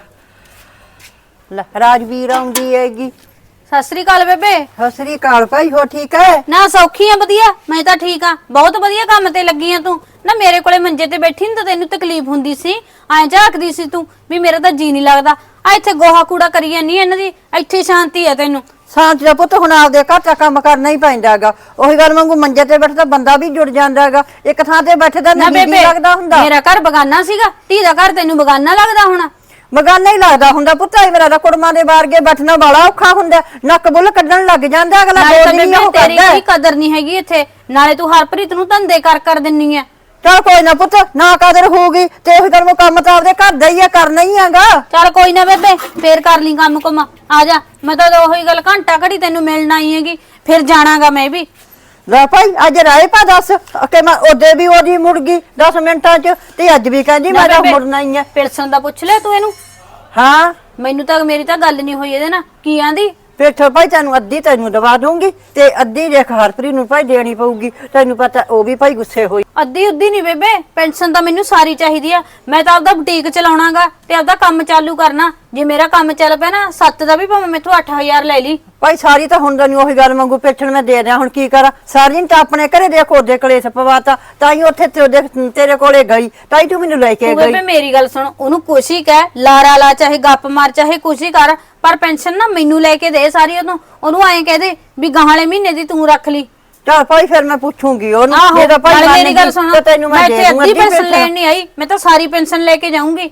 ਲੈ ਰਾਜਵੀਰ ਆਉਂਦੀ ਹੈਗੀ।
ਸਤਿ ਸ੍ਰੀ ਅਕਾਲ ਬੇਬੇ।
ਸਤਿ ਸ੍ਰੀ ਅਕਾਲ ਭਾਈ, ਹੋ ਠੀਕ ਹੈ?
ਨਾ ਸੌਖੀ ਆ? ਵਧੀਆ, ਮੈਂ ਤਾਂ ਠੀਕ ਆ, ਬਹੁਤ ਵਧੀਆ ਕੰਮ ਤੇ ਲੱਗੀ ਆ ਤੂੰ। ਨਾ ਮੇਰੇ ਕੋਲੇ ਮੰਜੇ ਤੇ ਬੈਠੀ ਨੀ ਤਾਂ ਤੈਨੂੰ ਤਕਲੀਫ ਹੁੰਦੀ ਸੀ, ਐਂ ਝਾਕਦੀ ਸੀ ਤੂੰ ਵੀ ਮੇਰਾ ਤਾਂ ਜੀ ਨਹੀਂ ਲੱਗਦਾ। ਆ ਇੱਥੇ ਗੋਹਾ ਕੂੜਾ ਕਰੀ ਜਾਂਦੀ ਇਹਨਾਂ ਦੀ, ਇੱਥੇ ਸ਼ਾਂਤੀ ਆ ਤੈਨੂੰ।
ਸ਼ਾਂਤੀ ਦਾ ਪੁੱਤ ਹੁਣ ਆਪਦੇ ਘਰ ਦਾ ਕੰਮ ਕਰਨਾ ਹੀ ਪੈਂਦਾ ਹੈਗਾ। ਉਹੀ ਗੱਲ ਵਾਂਗੂ ਮੰਜੇ ਤੇ ਬੈਠਦਾ ਬੰਦਾ ਵੀ ਜੁੜ ਜਾਂਦਾ ਹੈਗਾ, ਇੱਕ ਥਾਂ ਤੇ ਬੈਠਦਾ
ਨਾ
ਨਹੀਂ
ਬੇਬੇ,
ਲੱਗਦਾ ਹੁੰਦਾ।
ਮੇਰਾ ਘਰ ਬਗਾਨਾ ਸੀਗਾ, ਧੀ ਦਾ ਘਰ ਤੈਨੂੰ ਬਗਾਨਾ ਲੱਗਦਾ ਹੋਣਾ।
ਬਗਾਨਾ ਹੀ ਲੱਗਦਾ ਹੁੰਦਾ ਪੁੱਤ। ਇਹ ਮੇਰਾ ਤਾਂ ਕੁੜਮਾਂ ਦੇ ਬਾਰਗੇ ਬੈਠਣਾ ਬੜਾ ਔਖਾ ਹੁੰਦਾ, ਨੱਕ ਬੁੱਲ ਕੱਢਣ ਲੱਗ ਜਾਂਦਾ ਅਗਲਾ।
ਨਾਲੇ ਤਾਂ
ਬੋਲ ਨਹੀਂ ਉਹ
ਬੇਬੇ ਤੇਰੀ
ਕਰਦਾ।
ਕੋਈ ਕਦਰ ਨਹੀਂ ਹੈਗੀ ਇੱਥੇ, ਨਾਲੇ ਤੂੰ ਹਰਪ੍ਰੀਤ ਨੂੰ ਧੰਦੇ ਕਰ ਦਿੰਨੀ ਆ।
ਚੱਲ ਕੋਈ ਨਾ ਪੁੱਤ, ਨਾ ਕਦਰ ਹੋਊਗੀ ਤੇ ਉਹੀ ਗੱਲ ਕੰਮ ਤਾਂ ਆਪਦੇ ਘਰ ਦਾ ਹੀ ਆ, ਕਰਨਾ ਹੀ ਹੈਗਾ।
ਚੱਲ ਕੋਈ ਨਾ ਬੇਬੇ, ਫੇਰ ਕਰ ਲਈ ਕੰਮ ਕੁਮ, ਆ ਜਾ। ਮੈਂ ਤਾਂ ਉਹੀ ਗੱਲ ਘੰਟਾ ਘੜੀ ਤੈਨੂੰ ਮਿਲਣ ਆਈ ਹੈਗੀ, ਫਿਰ ਜਾਣਾਗਾ ਮੈਂ ਵੀ।
ਲੈ ਭਾਈ ਅੱਜ ਰਾਏ ਪਾ ਦੱਸ ਕਿ ਮੈਂ ਉਹਦੇ ਵੀ ਉਹਦੀ ਮੁੜ ਗਈ 10 ਮਿੰਟਾਂ ਚ, ਤੇ ਅੱਜ ਵੀ ਕਹਿੰਦੀ ਮੈਂ ਤਾਂ ਮੁੜਨਾ ਹੀ ਆ।
ਪਿਲਸਨ ਦਾ ਪੁੱਛ ਲਿਆ ਤੂੰ ਇਹਨੂੰ?
ਹਾਂ
ਮੈਨੂੰ ਤਾਂ ਮੇਰੀ ਤਾਂ ਗੱਲ ਨਹੀਂ ਹੋਈ ਇਹਦੇ ਨਾਲ, ਕੀ ਆਂਦੀ?
ਫਿਰ ਭਾਈ ਤੈਨੂੰ ਅੱਧੀ ਤੈਨੂੰ ਦਵਾ ਦੂੰਗੀ ਤੇ ਅੱਧੀ ਦੇਖ ਹਰਪ੍ਰੀਤ ਨੂੰ ਭਾਈ ਦੇਣੀ ਪਊਗੀ। ਤੈਨੂੰ ਪਤਾ ਉਹ ਵੀ ਭਾਈ ਗੁੱਸੇ ਹੋਈ।
ਅੱਧੀ ਉੱਧੀ ਨਹੀਂ ਬੇਬੇ, ਪੈਨਸ਼ਨ ਤਾਂ ਮੈਨੂੰ ਸਾਰੀ ਚਾਹੀਦੀ ਆ। ਮੈਂ ਤਾਂ ਆਪਦਾ ਬੁਟੀਕ ਚਲਾਉਣਾਗਾ ਤੇ ਆਪਦਾ ਕੰਮ ਚਾਲੂ ਕਰਨਾ। ਜੇ ਮੇਰਾ ਕੰਮ ਚੱਲ ਪਿਆ ਨਾ 7 ਦਾ ਵੀ ਭਾਵੇਂ ਮੈਥੋਂ 8000 ਲੈ ਲਈ।
ਭਾਈ ਸਾਰੀ ਤਾਂ ਹੁਣ ਤੈਨੂੰ ਉਹੀ ਗੱਲ ਵਾਂਗੂ ਪਿੱਛਣ ਮੈਂ ਦੇ ਦਿਆਂ, ਹੁਣ ਕੀ ਕਰਾਂ? ਸਾਰੀ ਤਾਂ ਆਪਣੇ ਘਰੇ ਦੇਖ ਉਹਦੇ ਕਲੇਸ਼ ਪਵਾਤਾ, ਤਾਂ ਹੀ ਉੱਥੇ ਤੇਰੇ ਕੋਲੇ ਗਈ, ਤਾਂ ਹੀ ਤੂੰ ਮੈਨੂੰ ਲੈ ਕੇ
ਤੂੰ
ਗਈ।
ਬੇਬੇ ਮੇਰੀ ਗੱਲ ਸੁਣ, ਉਹਨੂੰ ਕੁਛ ਹੀ ਕਹਿ, ਲਾਰਾ ਲਾ, ਚਾਹੇ ਗੱਪ ਮਾਰ, ਚਾਹੇ ਕੁਛ ਹੀ ਕਰ, ਪਰ ਪੈਨਸ਼ਨ ਨਾ ਮੈਨੂੰ ਲੈ ਕੇ ਦੇ ਸਾਰੀ। ਉਹਨੂੰ ਐਂ ਕਹਿ ਦੇ ਵੀ ਗਾਹਾਲੇ ਮਹੀਨੇ ਦੀ ਤੂੰ ਰੱਖ ਲਈ।
ਚੱਲ ਭਾਈ ਫਿਰ ਮੈਂ ਪੁੱਛੂੰਗੀ ਉਹਨੂੰ।
ਆਹੋ,
ਜੇ ਤਾਂ ਭਾਈ
ਨਾਲੇ ਮੇਰੀ
ਮੰਨ
ਗੱਲ
ਗਈ
ਸੁਣ,
ਤਾਂ ਤੈਨੂੰ
ਮੈਂ
ਦੇ
ਇੱਥੇ
ਦੂੰ
ਅੱਧੀ ਪੈਨਸ਼ਨ ਲੈਣ ਨਹੀਂ ਆਈ, ਮੈਂ ਤਾਂ ਸਾਰੀ ਪੈਨਸ਼ਨ ਲੈ ਕੇ ਜਾਊਂਗੀ।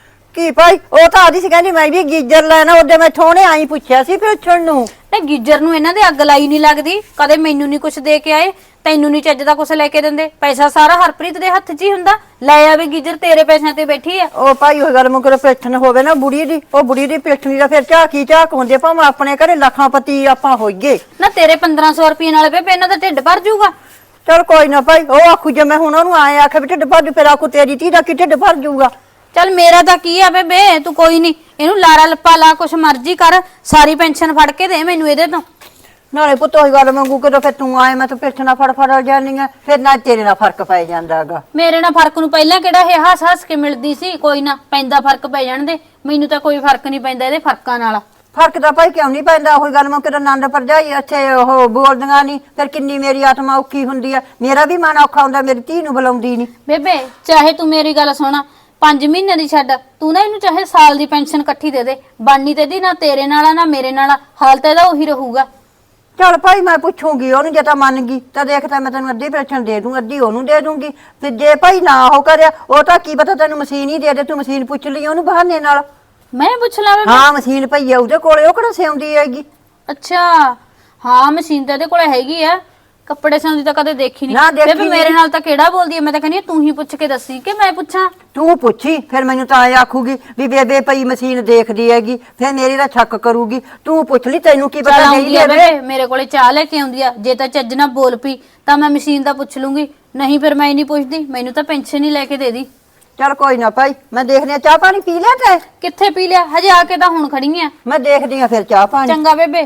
ਕੀ ਭਾਈ ਉਹ ਤਾਂ ਆਦੀ ਸੀ ਕਹਿੰਦੀ ਮੈਂ ਵੀ ਗੀਜਰ ਲੈਣਾ, ਉਹਦੇ ਮੈਂ ਥੋੜੇ ਆਈ ਪੁੱਛਿਆ ਸੀ ਪੁੱਛਣ ਨੂੰ।
ਨਾ ਗੀਜਰ ਨੂੰ ਇਹਨਾਂ ਦੇ ਅੱਗ ਲਾਈ ਨਹੀਂ ਲੱਗਦੀ, ਕਦੇ ਮੈਨੂੰ ਨਹੀਂ ਕੁਛ ਦੇ ਕੇ ਆਏ, ਤੈਨੂੰ ਨਹੀਂ ਚੱਜ ਦਾ ਕੁਛ ਲੈ ਕੇ ਦਿੰਦੇ। ਪੈਸਾ ਸਾਰਾ ਹਰਪ੍ਰੀਤ ਦੇ ਹੱਥ 'ਚ ਹੀ ਹੁੰਦਾ, ਲੈ ਆਵੇ ਗੀਜਰ, ਤੇਰੇ ਪੈਸਿਆਂ ਤੇ ਬੈਠੀ ਆ।
ਉਹ ਭਾਈ ਉਹ ਗੱਲ ਮੁਕਰ ਪਿੱਠਣ ਹੋਵੇ ਨਾ ਬੁੜੀ ਦੀ, ਉਹ ਬੁੜੀ ਦੀ ਪਿੱਠਣੀ ਦਾ ਫਿਰ ਝਾਕ ਹੁੰਦੇ, ਭਾਵੇਂ ਆਪਣੇ ਘਰੇ ਲੱਖਾਂ ਪਤੀ ਆਪਾਂ ਹੋਈਏ।
ਨਾ ਤੇਰੇ 1500 ਰੁਪਏ ਨਾਲ ਬੇਬੇ ਇਹਨਾਂ ਦਾ ਢਿੱਡ ਭਰ ਜਾਊਗਾ।
ਚਲ ਕੋਈ ਨਾ ਭਾਈ, ਉਹ ਆਖੂ ਜੇ ਮੈਂ ਹੁਣ ਉਹਨੂੰ ਆਏ ਆਖੇ ਵੀ ਢਿੱਡ ਭਰ ਜੂ, ਫਿਰ ਆਖੂ ਤੇਰੀ ਧੀ ਦਾ ਕੀ ਢਿੱਡ ਭਰ ਜੂਗਾ।
ਚੱਲ ਮੇਰਾ ਤਾਂ ਕੀ ਆ ਬੇਬੇ, ਤੂੰ ਕੋਈ ਨਹੀਂ ਇਹਨੂੰ ਲਾਰਾ ਲੱਪਾ ਲਾ, ਕੁਛ ਮਰਜ਼ੀ ਕਰ, ਸਾਰੀ ਪੈਨਸ਼ਨ ਫੜ ਕੇ ਦੇ ਮੈਨੂੰ ਇਹਦੇ ਤੋਂ।
ਨਾਲੇ ਪੁੱਤ ਉਹੀ ਗੱਲ ਮੰਗੂ ਕਦੋਂ ਫਿਰ ਤੂੰ ਆਏ ਮੈਂ ਤਾਂ ਪਿੱਠਣਾ ਫੜ ਜਾਨੀ ਆ, ਫਿਰ ਨਾ ਤੇਰੇ ਨਾਲ ਫਰਕ ਪੈ ਜਾਂਦਾ ਹੈਗਾ।
ਮੇਰੇ ਨਾਲ ਫਰਕ ਨੂੰ ਪਹਿਲਾਂ ਕਿਹੜਾ ਇਹ ਹੱਸ ਕੇ ਮਿਲਦੀ ਸੀ, ਕੋਈ ਨਾ ਪੈਂਦਾ ਫਰਕ ਪੈ ਜਾਣ ਦੇ, ਮੈਨੂੰ ਤਾਂ ਕੋਈ ਫਰਕ ਨਹੀਂ ਪੈਂਦਾ ਇਹਦੇ ਫਰਕਾਂ ਨਾਲ।
ਫਰਕ ਤਾਂ ਭਾਈ ਕਿਉਂ ਨਹੀਂ ਪੈਂਦਾ? ਉਹੀ ਗੱਲ ਮੈਂ ਕਿਤੇ ਨੰਦ ਭਰਜਾਈ ਇੱਥੇ ਉਹ ਬੋਲਦੀਆਂ ਨਹੀਂ, ਫਿਰ ਕਿੰਨੀ ਮੇਰੀ ਆਤਮਾ ਔਖੀ ਹੁੰਦੀ ਆ, ਮੇਰਾ ਵੀ ਮਨ ਔਖਾ ਹੁੰਦਾ, ਮੇਰੀ ਧੀ ਨੂੰ ਬੁਲਾਉਂਦੀ ਨਹੀਂ।
ਬੇਬੇ ਚਾਹੇ ਤੂੰ ਮੇਰੀ ਗੱਲ ਸੁਣਾ, 5 ਮਹੀਨੇ ਦੀ ਛੱਡ, ਤੂੰ ਨਾ ਇਹਨੂੰ ਚਾਹੇ ਸਾਲ ਦੀ ਪੈਨਸ਼ਨ ਇਕੱਠੀ ਦੇ ਦੇ, ਬਾਨੀ ਤੇ ਦੀ ਨਾ ਤੇਰੇ ਨਾਲ ਆ ਨਾ ਮੇਰੇ ਨਾਲ, ਹਾਲ ਤਾਂ ਇਹਦਾ ਉਹੀ ਰਹੂਗਾ।
ਚੱਲ ਭਾਈ ਮੈਂ ਪੁੱਛੂਗੀ ਉਹਨੂੰ, ਜੇ ਤਾਂ ਮੰਨ ਗਈ ਤਾਂ ਦੇਖ ਤਾਂ ਮੈਂ ਤੈਨੂੰ ਅੱਧੀ ਪੈਨਸ਼ਨ ਦੇ ਦੂੰ, ਅੱਧੀ ਉਹਨੂੰ ਦੇ ਦੂੰਗੀ। ਤੇ ਜੇ ਭਾਈ ਨਾ ਉਹ ਕਰਿਆ, ਉਹ ਤਾਂ ਕੀ ਪਤਾ ਤੈਨੂੰ ਮਸ਼ੀਨ ਹੀ ਦੇ ਦੇ, ਤੂੰ ਮਸ਼ੀਨ ਪੁੱਛ ਲਈ ਉਹਨੂੰ ਬਹਾਨੇ ਨਾਲ।
ਮੈਂ ਪੁੱਛ ਲਾ ਬੇਬੇ?
ਹਾਂ ਮਸ਼ੀਨ ਪਈ ਆ ਉਹਦੇ ਕੋਲੇ, ਉਹ ਕਿਹੜਾ ਸਿਉਂਦੀ ਹੈਗੀ।
ਅੱਛਾ ਹਾਂ, ਮਸ਼ੀਨ ਤਾਂ ਇਹਦੇ ਕੋਲ ਹੈਗੀ ਆ, ਕੱਪੜੇ ਸਿਉਂਦੀ ਤਾਂ ਕਦੇ ਦੇਖੀ
ਨਾ,
ਨਹੀਂ
ਦੇਖੀ
ਬੇਬੇ ਮੇਰੇ ਨਾਲ ਤਾਂ ਕਿਹੜਾ ਬੋਲਦੀ ਐ, ਮੈਂ ਤਾਂ ਕਹਿੰਦੀ ਆ ਤੂੰ ਹੀ ਪੁੱਛ ਕੇ ਦੱਸੀ ਕਿ ਮੈਂ ਪੁੱਛਾਂ।
ਤੂੰ ਪੁੱਛੀ ਫਿਰ ਮੈਨੂੰ ਤਾਂ ਐ ਆਖੂਗੀ ਵੀ ਬੇਬੇ ਪਈ ਮਸ਼ੀਨ ਦੇਖਦੀ ਹੈਗੀ, ਫਿਰ ਮੇਰੀ ਦਾ ਸ਼ੱਕ ਕਰੂਗੀ। ਤੂੰ ਪੁੱਛ ਲਈ, ਤੈਨੂੰ ਕੀ
ਚੱਲ
ਪਤਾ
ਆਉਂਦੀ
ਨਹੀਂ
ਆ
ਦੇਵੇ।
ਬੇਬੇ ਮੇਰੇ ਕੋਲੇ ਚਾਹ ਲੈ ਕੇ ਆਉਂਦੀ ਆ, ਜੇ ਤਾਂ ਚੱਜ ਨਾਲ ਬੋਲ ਪਈ ਤਾਂ ਮੈਂ ਮਸ਼ੀਨ ਦਾ ਪੁੱਛ ਲੂੰਗੀ, ਨਹੀਂ ਫਿਰ ਮੈਂ ਨਹੀਂ ਪੁੱਛਦੀ, ਮੈਨੂੰ ਤਾਂ ਪੈਨਸ਼ਨ ਹੀ ਲੈ ਕੇ ਦੇ ਦੀ।
ਚੱਲ ਕੋਈ ਨਾ ਭਾਈ, ਮੈਂ ਦੇਖਦੀ ਆ ਚਾਹ ਪਾਣੀ ਪੀ ਲਿਆ ਤੈਂ?
ਕਿੱਥੇ ਪੀ ਲਿਆ ਹਜੇ, ਆ ਕੇ ਤਾਂ ਹੁਣ ਖੜੀ ਆ।
ਮੈਂ ਦੇਖਦੀ ਆ ਫਿਰ ਚਾਹ ਪਾਣੀ।
ਚੰਗਾ ਬੇਬੇ।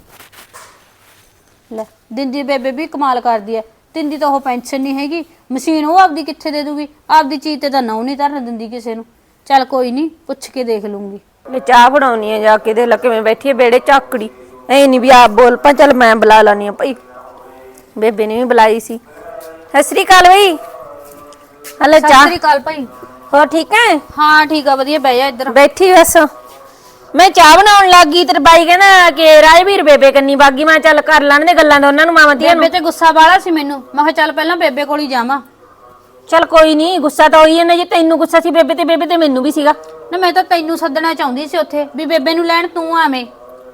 ਲੈ ਦਿੰਦੀ ਬੇਬੇ ਵੀ ਕਮਾਲ ਕਰਦੀ ਐ, ਦਿੰਦੀ ਤਾਂ ਉਹ ਪੈਨਸ਼ਨ ਨਹੀਂ ਹੈਗੀ, ਮਸ਼ੀਨ ਉਹ ਆਪਦੀ ਕਿੱਥੇ ਦੇ ਦੂਗੀ, ਆਪਦੀ ਚੀਜ਼ ਤੇ ਤਾਂ ਨਾਉ ਨਹੀਂ ਧਰਨ ਦਿੰਦੀ ਕਿਸੇ ਨੂੰ। ਚੱਲ ਕੋਈ ਨਹੀਂ, ਪੁੱਛ ਕੇ ਦੇਖ ਲੂੰਗੀ।
ਮੈਂ ਚਾਹ ਬਣਾਉਣੀ ਆ ਜਾ ਕੇ, ਦੇ ਲੱਗੇ ਮੈਂ ਬੈਠੀ ਆ ਬੇੜੇ ਝਾਕੜੀ, ਐ ਨਹੀਂ ਵੀ ਆਪ ਬੋਲ ਪਾ। ਚੱਲ ਮੈਂ ਬੁਲਾ ਲਾਨੀ ਆ ਭਾਈ, ਬੇਬੇ ਨੇ ਵੀ ਬੁਲਾਈ ਸੀ। ਸਤਿ ਸ੍ਰੀ ਅਕਾਲ ਬਈ। ਹਲੇ
ਸਤਿ
ਚਾਹ।
ਸ੍ਰੀ ਅਕਾਲ ਭਾਈ।
ਹੋਰ ਠੀਕ ਹੈ?
ਹਾਂ ਠੀਕ ਆ ਵਧੀਆ, ਬਹਿ ਜਾ ਇੱਧਰ।
ਬੈਠੀ ਬਸ ਮੈਂ ਚਾਹ ਬਣਾਉਣ ਲੱਗੀ, ਤੇਰੇ ਬਾਈ ਕਹਿੰਦਾ ਕਿ ਰਾਜਵੀਰ ਬੇਬੇ ਕੰਨੀ ਬਾਗੀ। ਮੈਂ ਚੱਲ ਕਰ ਲੈਣ ਦੇ ਗੱਲਾਂ ਦਾ ਉਹਨਾਂ ਨੂੰ, ਮਾਵਾਂ ਧੀਆਂ
ਬੇਬੇ
ਨੂੰ।
ਤੇ ਗੁੱਸਾ ਵਾਲਾ ਸੀ ਮੈਨੂੰ, ਮੈਂ ਕਿਹਾ ਚੱਲ ਪਹਿਲਾਂ ਬੇਬੇ ਕੋਲ ਹੀ ਜਾਵਾਂ।
ਚੱਲ ਕੋਈ ਨਹੀਂ, ਗੁੱਸਾ ਤਾਂ ਹੋਈ ਜਾਂਦਾ, ਜੇ ਤੈਨੂੰ ਗੁੱਸਾ ਸੀ ਬੇਬੇ ਤੇ ਮੈਨੂੰ ਵੀ ਸੀਗਾ
ਨਾ। ਮੈਂ ਤਾਂ ਤੈਨੂੰ ਸੱਦਣਾ ਚਾਹੁੰਦੀ ਸੀ ਉੱਥੇ, ਵੀ ਬੇਬੇ ਨੂੰ ਲੈਣ ਤੂੰ ਆਵੇਂ।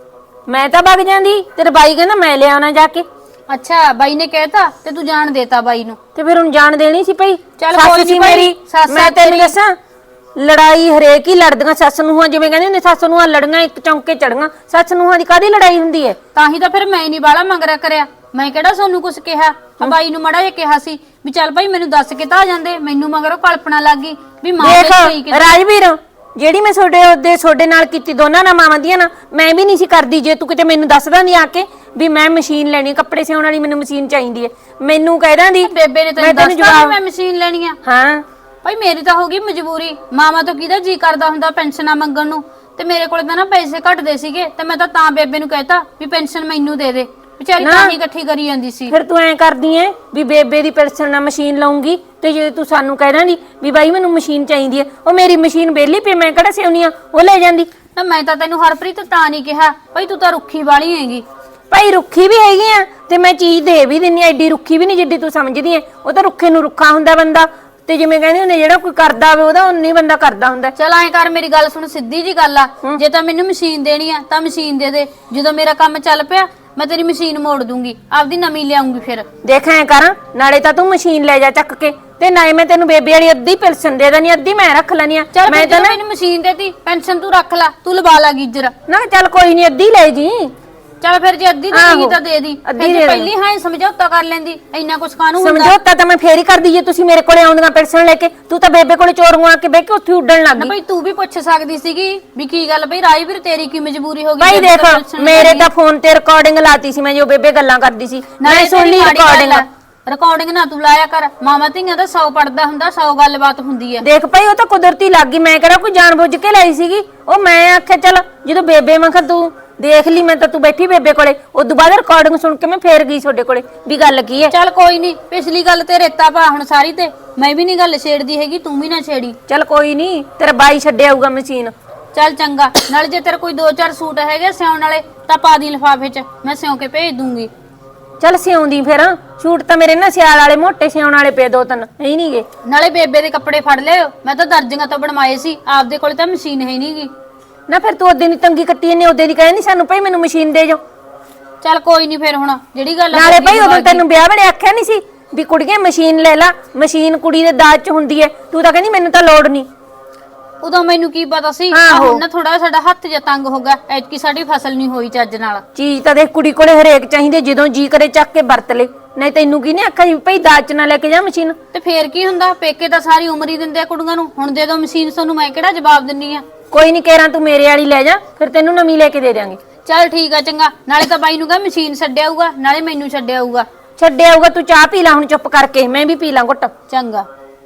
ਮੈਂ ਤਾਂ ਵਗ ਜਾਂਦੀ, ਤੇਰੇ ਬਾਈ ਕਹਿੰਦਾ ਮੈਂ ਲਿਆਉਣਾ ਜਾ ਕੇ।
ਅੱਛਾ ਬਾਈ ਨੇ ਕਹਿਤਾ ਤੇ ਤੂੰ ਜਾਣ ਦੇਤਾ ਬਾਈ ਨੂੰ।
ਤੇ ਫਿਰ ਹੁਣ ਜਾਣ ਦੇਣੀ ਸੀ ਭਈ।
ਚੱਲ
ਸੱਸ
ਕੋਈ
ਸੀ
ਨੀ ਭਾਈ,
ਮੇਰੀ,
ਸੱਸ
ਮੈਂ
ਆ
ਤੈਨੂੰ
ਤੇਰੀ।
ਦੱਸਾਂ ਲੜਾਈ ਹਰੇਕ ਹੀ ਲੜਦੀਆਂ ਸੱਸ ਨੂੰਹਾਂ, ਜਿਵੇਂ ਕਹਿੰਦੇ ਹੁੰਦੇ ਸੱਸ ਨੂੰਹਾਂ ਲੜੀਆਂ ਇੱਕ ਚੌਂਕੇ ਚੜੀਆਂ। ਸੱਸ ਨੂੰਹਾਂ ਦੀ ਕਾਹਦੀ ਲੜਾਈ ਹੁੰਦੀ ਹੈ?
ਤਾਂ ਹੀ ਤਾਂ ਫਿਰ ਮੈਂ ਨਹੀਂ ਬਾਲਾ ਮੰਗਰਾ ਕਰਿਆ, ਮੈਂ ਕਿਹੜਾ ਸੋਨੂੰ ਕੁਝ ਕਿਹਾ। ਆ ਬਾਈ ਨੂੰ ਮੜਾ ਜਿਹਾ ਕਿਹਾ ਸੀ ਵੀ ਚੱਲ ਭਾਈ ਮੈਨੂੰ ਦੱਸ ਕੇ ਤਾਂ ਆ ਜਾਂਦੇ, ਮੈਨੂੰ ਮਗਰੋਂ ਕਲਪਨਾ ਲੱਗ ਗਈ ਵੀ ਮਾਂ
ਦੇਖ
ਦੇ ਸਹੀ ਕਿ
ਰਾਜਵੀਰ, ਜਿਹੜੀ ਮੈਂ ਤੁਹਾਡੇ ਨਾਲ ਕੀਤੀ ਦੋਨਾਂ ਨਾਲ ਮਾਵਾਂ ਦੀਆਂ ਨਾ, ਮੈਂ ਵੀ ਨਹੀਂ ਸੀ ਕਰਦੀ। ਜੇ ਤੂੰ ਕਿਤੇ ਮੈਨੂੰ ਦੱਸਦਾ ਨਹੀਂ ਆ ਕੇ ਵੀ ਮੈਂ ਮਸ਼ੀਨ ਲੈਣੀ, ਕੱਪੜੇ ਸਿਉਣ ਵਾਲੀ ਮੈਨੂੰ ਮਸ਼ੀਨ ਚਾਹੀਦੀ ਹੈ, ਮੈਨੂੰ ਕਹਿ ਦਾਂਦੀ
ਬੇਬੇ ਨੇ ਤੈਨੂੰ ਦੱਸਤਾ ਮੈਂ ਮਸ਼ੀਨ ਲੈਣੀ ਆ।
ਹਾਂ
ਭਾਈ ਮੇਰੀ ਤਾਂ ਹੋ ਗਈ ਮਜਬੂਰੀ, ਮਾਵਾਂ ਤੋਂ ਕਿਹਦਾ ਜੀ ਕਰਦਾ ਹੁੰਦਾ ਪੈਨਸ਼ਨਾਂ ਮੰਗਣ ਨੂੰ, ਤੇ ਮੇਰੇ ਕੋਲ ਤਾਂ ਨਾ ਪੈਸੇ ਘਟਦੇ ਸੀਗੇ, ਤੇ ਮੈਂ ਤਾਂ ਬੇਬੇ ਨੂੰ ਕਹਿਤਾ ਵੀ ਪੈਨਸ਼ਨ ਮੈਨੂੰ ਦੇ ਦੇ, ਵਿਚਾਰੀ ਤਾਂ ਹੀ ਇਕੱਠੀ ਕਰੀ ਜਾਂਦੀ ਸੀ।
ਫਿਰ ਤੂੰ ਐਂ ਕਰਦੀ ਐ ਵੀ ਬੇਬੇ ਦੀ ਪੈਨਸ਼ਨ ਨਾਲ ਮਸ਼ੀਨ ਲਾਉਂਗੀ, ਤੇ ਜੇ ਤੂੰ ਸਾਨੂੰ ਕਹਿ ਦਾਂਦੀ ਵੀ ਬਾਈ ਮੈਨੂੰ ਮਸ਼ੀਨ ਚਾਹੀਦੀ ਹੈ, ਉਹ ਮੇਰੀ ਮਸ਼ੀਨ ਵਿਹਲੀ ਪਈ, ਮੈਂ ਕਿਹੜਾ ਸਿਉਣੀ ਆ, ਉਹ ਲੈ ਜਾਂਦੀ।
ਨਾ ਮੈਂ ਤਾਂ ਤੈਨੂੰ ਹਰਪ੍ਰੀਤ ਤਾਂ ਨਹੀਂ ਕਿਹਾ, ਭਾਈ ਤੂੰ ਤਾਂ ਰੁੱਖੀ ਵਾਲੀ ਹੈਗੀ।
ਭਾਈ ਰੁੱਖੀ ਵੀ ਹੈਗੀ ਆ, ਤੇ ਮੈਂ ਚੀਜ਼ ਦੇ ਵੀ ਦਿੰਨੀ, ਐਡੀ ਰੁੱਖੀ ਵੀ ਨਹੀਂ ਜਿੱਡੀ ਤੂੰ ਸਮਝਦੀ ਐ। ਉਹ ਤਾਂ ਰੁੱਖੇ ਨੂੰ ਰੁੱਖਾ ਹੁੰਦਾ ਬੰਦਾ, ਤੇ ਜਿਵੇਂ ਕਹਿੰਦੇ ਹੁੰਦੇ ਜਿਹੜਾ ਕੋਈ ਕਰਦਾ ਹੋਵੇ ਉਹਦਾ ਉਨੀ ਬੰਦਾ ਕਰਦਾ ਹੁੰਦਾ।
ਚਲ ਐਂ ਕਰ, ਮੇਰੀ ਗੱਲ ਸੁਣ, ਸਿੱਧੀ ਜੀ ਗੱਲ ਆ, ਜੇ ਤਾਂ ਮੈਨੂੰ ਮਸ਼ੀਨ ਦੇਣੀ ਆ ਤਾਂ ਮਸ਼ੀਨ ਦੇ ਦੇ, ਜਦੋਂ ਮੇਰਾ ਕੰਮ ਚੱਲ ਪਿਆ ਮੈਂ ਤੇਰੀ ਮਸ਼ੀਨ ਮੋੜ ਦੂੰਗੀ, ਆਪਦੀ ਨਵੀਂ ਲਿਆਉਂਗੀ। ਫਿਰ
ਦੇਖ ਐਂ ਕਰ, ਨਾਲੇ ਤਾਂ ਤੂੰ ਮਸ਼ੀਨ ਲੈ ਜਾ ਚੱਕ ਕੇ, ਤੇ ਨਾਲੇ ਮੈਂ ਤੈਨੂੰ ਬੇਬੇ ਵਾਲੀ ਅੱਧੀ ਪੈਨਸ਼ਨ ਦੇ ਦੇਣੀ, ਅੱਧੀ ਮੈਂ ਰੱਖ ਲੈਣੀ ਆ।
ਚੱਲ
ਮੈਂ ਤਾਂ ਨਾ
ਮੈਨੂੰ ਮਸ਼ੀਨ ਦੇਤੀ, ਪੈਨਸ਼ਨ ਤੂੰ ਰੱਖ ਲੈ, ਤੂੰ ਲਵਾ ਲਾ ਗੀਜਰ।
ਨਾ ਚੱਲ ਕੋਈ ਨਹੀਂ, ਅੱਧੀ ਲੈ ਜੀ।
ਚੱਲ ਫਿਰ ਜੇ ਅੱਧੀ ਦੇਣੀ ਤਾਂ ਦੇ ਦੀ,
ਅੱਧੀ
ਫਿਰ
ਦੇ
ਜੇ
ਦੇ।
ਪਹਿਲੀ ਹਾਂ ਸਮਝੌਤਾ ਕਰ ਲੈਂਦੀ, ਇੰਨਾ ਕੁਛ ਕਾਹਨੂੰ ਹੁੰਦਾ।
ਸਮਝੌਤਾ ਤਾਂ ਮੈਂ ਫੇਰ ਹੀ ਕਰਦੀ ਜੇ ਤੁਸੀਂ ਮੇਰੇ ਕੋਲੇ ਆਉਂਦੀਆਂ ਪੈਨਸ਼ਨ ਲੈ ਕੇ। ਤੂੰ ਤਾਂ ਬੇਬੇ ਕੋਲੇ ਚੋਰੂ ਆ ਕੇ ਬਹਿ ਕੇ ਉੱਥੇ ਉੱਡਣ ਲੱਗ
ਨਾ
ਗਈ।
ਭਾਈ ਤੂੰ ਵੀ ਪੁੱਛ ਸਕਦੀ ਸੀਗੀ ਵੀ ਕੀ ਗੱਲ ਬਈ ਰਾਜਵੀਰ ਤੇਰੀ ਕੀ ਮਜਬੂਰੀ ਹੋ ਗਈ।
ਭਾਈ
ਬੇਬੇ
ਦੇਖ,
ਤਾਂ ਪੈਨਸ਼ਨ
ਮੇਰੇ
ਲੈਣੀ।
ਤਾਂ ਫੋਨ ਤੇ ਰਿਕਾਰਡਿੰਗ ਲਾਤੀ ਸੀ ਮੈਂ, ਜੋ ਬੇਬੇ ਗੱਲਾਂ ਕਰਦੀ ਸੀ, ਮੈਂ
ਨਾਲੇ
ਸੁਣ ਲਈ ਰਿਕਾਰਡਿੰਗ।
ਰਿਕਾਰਡਿੰਗ ਨਾ ਤੂੰ ਲਾਇਆ ਕਰ, ਮਾਮਾ ਧੀਆਂ ਦਾ 100 ਪੜਦਾ ਹੁੰਦਾ, 100 ਗੱਲਬਾਤ ਹੁੰਦੀ ਹੈ।
ਦੇਖ ਭਾਈ ਉਹ ਤਾਂ ਕੁਦਰਤੀ ਲੱਗ ਗਈ, ਮੈਂ ਕਿਹੜਾ ਕੋਈ ਜਾਣਬੁੱਝ ਕੇ ਲਾਈ ਸੀਗੀ। ਉਹ ਮੈਂ ਆਖਿਆ ਚੱਲ ਜਦੋਂ ਬੇਬੇ ਮੈਂ ਕਿਹਾ ਤੂੰ ਦੇਖ ਲਈ, ਮੈਂ ਤਾਂ ਤੂੰ ਬੈਠੀ ਬੇਬੇ ਕੋਲੇ, ਉਦੋਂ ਬਾਅਦ ਰਿਕਾਰਡਿੰਗ ਸੁਣ ਕੇ ਮੈਂ ਫੇਰ ਗਈ ਤੁਹਾਡੇ ਕੋਲੇ ਵੀ ਗੱਲ ਕੀ ਹੈ।
ਚੱਲ ਕੋਈ ਨਹੀਂ, ਪਿਛਲੀ ਗੱਲ ਤੇ ਰੇਤਾ ਪਾ ਹੁਣ ਸਾਰੀ, ਤੇ ਮੈਂ ਵੀ ਨਹੀਂ ਗੱਲ ਛੇੜਦੀ ਹੈਗੀ, ਤੂੰ ਵੀ ਨਾ ਛੇੜੀ।
ਚੱਲ ਕੋਈ ਨਹੀਂ, ਤੇਰਾ ਬਾਈ ਛੱਡਿਆ ਆਊਗਾ ਮਸ਼ੀਨ।
ਚੱਲ ਚੰਗਾ, ਨਾਲ ਜੇ ਤੇਰੇ ਕੋਈ 2-4 ਸੂਟ ਹੈਗੇ ਸਿਉਣ ਵਾਲੇ ਤਾਂ ਪਾ ਦੀ ਲਿਫਾਫੇ 'ਚ, ਮੈਂ ਸਿਉਂ ਕੇ ਭੇਜ ਦੂੰਗੀ।
ਚੱਲ ਸਿਉਂਦੀ ਫਿਰ, ਸ਼ੂਟ ਤਾਂ ਮੇਰੇ ਨਾ ਸਿਆਲ ਵਾਲੇ ਮੋਟੇ ਸਿਉਣ ਵਾਲੇ ਪਏ 2-3 ਨਹੀਂ ਨਹੀਂਗੇ।
ਨਾਲੇ ਬੇਬੇ ਦੇ ਕੱਪੜੇ ਫੜ ਲਿਓ, ਮੈਂ ਤਾਂ ਦਰਜੀਆਂ ਤੋਂ ਬਣਵਾਏ ਸੀ, ਆਪਦੇ ਕੋਲ ਤਾਂ ਮਸ਼ੀਨ ਹੈ ਨਹੀਂਗੀ।
ਨਾ ਫਿਰ ਤੂੰ ਉਹਦੇ ਦੀ ਤੰਗੀ ਕੱਟੀ ਨੇ, ਉਹਦੇ ਦੀ ਕਹਿੰਦੀ ਸਾਨੂੰ ਭਾਈ ਮੈਨੂੰ ਮਸ਼ੀਨ ਦੇ ਜਾਓ।
ਚੱਲ ਕੋਈ ਨਹੀਂ, ਫਿਰ ਹੁਣ ਜਿਹੜੀ ਗੱਲ
ਨਾਲੇ ਭਾਈ ਉਦੋਂ ਤੈਨੂੰ ਵਿਆਹ ਵੇਲੇ ਆਖਿਆ ਨਹੀਂ ਸੀ ਵੀ ਕੁੜੀਏ ਮਸ਼ੀਨ ਲੈ ਲਾ, ਮਸ਼ੀਨ ਕੁੜੀ ਦੇ ਦਾਜ 'ਚ ਹੁੰਦੀ ਹੈ, ਤੂੰ ਤਾਂ ਕਹਿੰਦੀ ਮੈਨੂੰ ਤਾਂ ਲੋੜ ਨਹੀਂ।
ਉਦੋਂ ਮੈਨੂੰ ਕੀ ਪਤਾ ਸੀ, ਹੁਣ ਨਾ ਥੋੜਾ ਸਾਡਾ ਹੱਥ ਜਿਹਾ ਤੰਗ ਹੋ ਗਿਆ, ਐਤਕੀ ਸਾਡੀ ਫਸਲ ਨਹੀਂ ਹੋਈ ਚੱਜ ਨਾਲ।
ਚੀਜ਼ ਤਾਂ ਦੇਖ ਕੁੜੀ ਕੋਲੇ ਹਰੇਕ ਚਾਹੀਦੀ, ਜਦੋਂ ਜੀ ਕਰੇ ਚੱਕ ਕੇ ਵਰਤ ਲੈ, ਨਹੀਂ ਤੈਨੂੰ ਕੀ ਨੇ ਆਖਿਆ ਜੀ ਭਾਈ ਦਾਜ 'ਚ ਨਾ ਲੈ ਕੇ ਜਾ ਮਸ਼ੀਨ।
ਤੇ ਫੇਰ ਕੀ ਹੁੰਦਾ, ਪੇਕੇ ਤਾਂ ਸਾਰੀ ਉਮਰ ਹੀ ਦਿੰਦੇ ਆ ਕੁੜੀਆਂ ਨੂੰ, ਹੁਣ ਦੇ ਦੋ ਮਸ਼ੀਨ, ਤੁਹਾਨੂੰ ਮੈਂ ਕਿਹੜਾ ਜਵਾਬ ਦਿੰਨੀ ਆ।
ਕੋਈ ਨਹੀਂ, ਕਹਿਰਾਂ ਤੂੰ ਮੇਰੇ ਵਾਲੀ ਲੈ ਜਾ, ਫਿਰ ਤੈਨੂੰ ਨਵੀਂ ਲੈ ਕੇ ਦੇ ਦਿਆਂਗੇ।
ਚੱਲ ਠੀਕ ਆ ਚੰਗਾ, ਨਾਲੇ ਤਾਂ ਬਾਈ ਨੂੰ ਕਹ ਮਸ਼ੀਨ ਛੱਡਿਆ ਆਊਗਾ, ਨਾਲੇ ਮੈਨੂੰ ਛੱਡਿਆ ਆਊਗਾ।
ਛੱਡਿਆ ਆਊਗਾ, ਤੂੰ ਚਾਹ ਪੀ ਲੈ ਹੁਣ ਚੁੱਪ ਕਰਕੇ, ਮੈਂ ਵੀ ਪੀ ਲਾਂ ਘੁੱਟ।
ਚੰਗਾ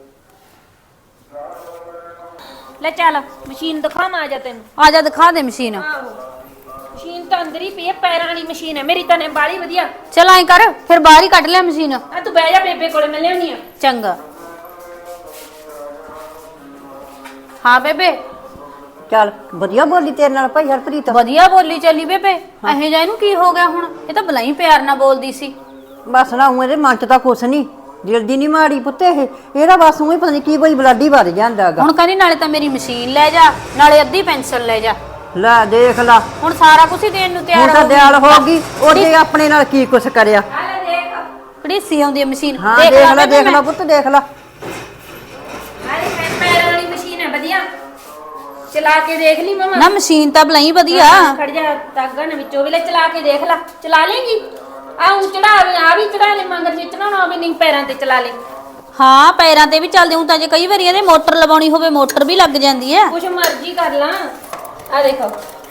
ਲੈ ਚੱਲ ਮਸ਼ੀਨ ਦਿਖਾਵਾਂ, ਆ ਜਾ ਤੈਨੂੰ।
ਆ ਜਾ ਦਿਖਾ ਦੇ ਮਸ਼ੀਨ।
ਮਸ਼ੀਨ ਤਾਂ ਅੰਦਰ ਹੀ ਪਈ ਹੈ, ਪੈਰਾਂ ਵਾਲੀ ਮਸ਼ੀਨ ਹੈ ਮੇਰੀ ਤਾਂ ਨੇ ਬਾਲੀ ਵਧੀਆ।
ਚਲ ਐਂ ਕਰ, ਫਿਰ ਬਾਹਰ ਹੀ ਕੱਢ ਲਿਆ ਮਸ਼ੀਨ।
ਆ ਤੂੰ ਬਹਿ ਜਾ ਬੇਬੇ ਕੋਲੇ, ਮੈਂ ਲਿਆਉਣੀ ਆ।
ਚੰਗਾ। ਹਾਂ ਬੇਬੇ।
ਚੱਲ ਵਧੀਆ ਬੋਲੀ ਤੇਰੇ ਨਾਲ ਭਾਈ ਹਰਪ੍ਰੀਤ।
ਵਧੀਆ ਬੋਲੀ ਚੱਲੀ ਬੇਬੇ, ਇਹੋ ਜਿਹਾ ਇਹਨੂੰ ਕੀ ਹੋ ਗਿਆ ਹੁਣ, ਇਹ ਤਾਂ ਬਲਾਈ ਪਿਆਰ ਨਾਲ ਬੋਲਦੀ ਸੀ।
ਬਸ ਨਾ ਉਹ ਇਹਦੇ ਮਨ 'ਚ ਤਾਂ ਕੁਛ ਨਹੀਂ, ਦਿਲ ਦੀ ਨਹੀਂ ਮਾੜੀ ਪੁੱਤੇ ਇਹਦਾ ਬਸ ਉਹੀ ਪਤਾ ਨਹੀਂ ਕੀ ਕੋਈ ਬਲਾਡੀ ਵੱਧ ਜਾਂਦਾਗਾ।
ਹੁਣ ਕਹਿੰਦੀ ਨਾਲੇ ਤਾਂ ਮੇਰੀ ਮਸ਼ੀਨ ਲੈ ਜਾ, ਨਾਲੇ ਅੱਧੀ ਪੈਨਸ਼ਨ ਲੈ ਜਾ।
ਲੈ ਦੇਖ ਲਾ,
ਹੁਣ ਸਾਰਾ ਕੁਝ ਹੀ ਦੇਣ ਨੂੰ ਤਿਆਰ
ਹੁਣ ਤਾਂ
ਹੋ ਗਈ।
ਦਿਆਲ ਹੋ ਗਈ, ਉਹਦੇ ਆਪਣੇ ਨਾਲ ਕੀ ਕੁਛ ਕਰਿਆ।
ਕੜੀਸੀ ਆਉਂਦੀ ਹੈ ਮਸ਼ੀਨ
ਹਾਂ ਦੇਖ ਲੈ
ਬੇਬੇ
ਦੇਖ ਲੈ
ਮੈਂ।
ਪੁੱਤ ਦੇਖ ਲੈ
ਅਰੇ ਪੈਰਾਂ ਵਾਲੀ ਮਸ਼ੀਨ ਹੈ ਵਧੀਆ ਚਲਾ ਕੇ ਦੇਖ ਲਈ ਮਮਾ
ਨਾ ਮਸ਼ੀਨ ਤਾਂ ਬਲਾਈ ਵਧੀਆ
ਖੜ ਜਾ ਤਾਗਾ ਨੇ ਵਿੱਚੋਂ ਵੀ ਲੈ ਚਲਾ ਕੇ ਦੇਖ ਲੈ ਚਲਾ ਲੇਗੀ ਆ ਉਂ ਚੜਾ ਆ ਵੀ ਚੜਾ ਲੈ ਮੰਗਰ ਜੇ ਚੜਾਉਣਾ ਵੀ ਨਹੀਂ ਪੈਰਾਂ ਤੇ ਚਲਾ ਲੈ
ਹਾਂ ਪੈਰਾਂ ਤੇ ਵੀ ਚੱਲਦੇ ਹੁਣ ਤਾਂ ਜੇ ਕਈ ਵਾਰੀ ਇਹਦੇ ਮੋਟਰ ਲਵਾਉਣੀ ਹੋਵੇ ਮੋਟਰ ਵੀ ਲੱਗ ਜਾਂਦੀ ਹੈ
ਕੁਛ ਮਰਜ਼ੀ ਕਰ ਲਾਂ ਆ ਦੇਖੋ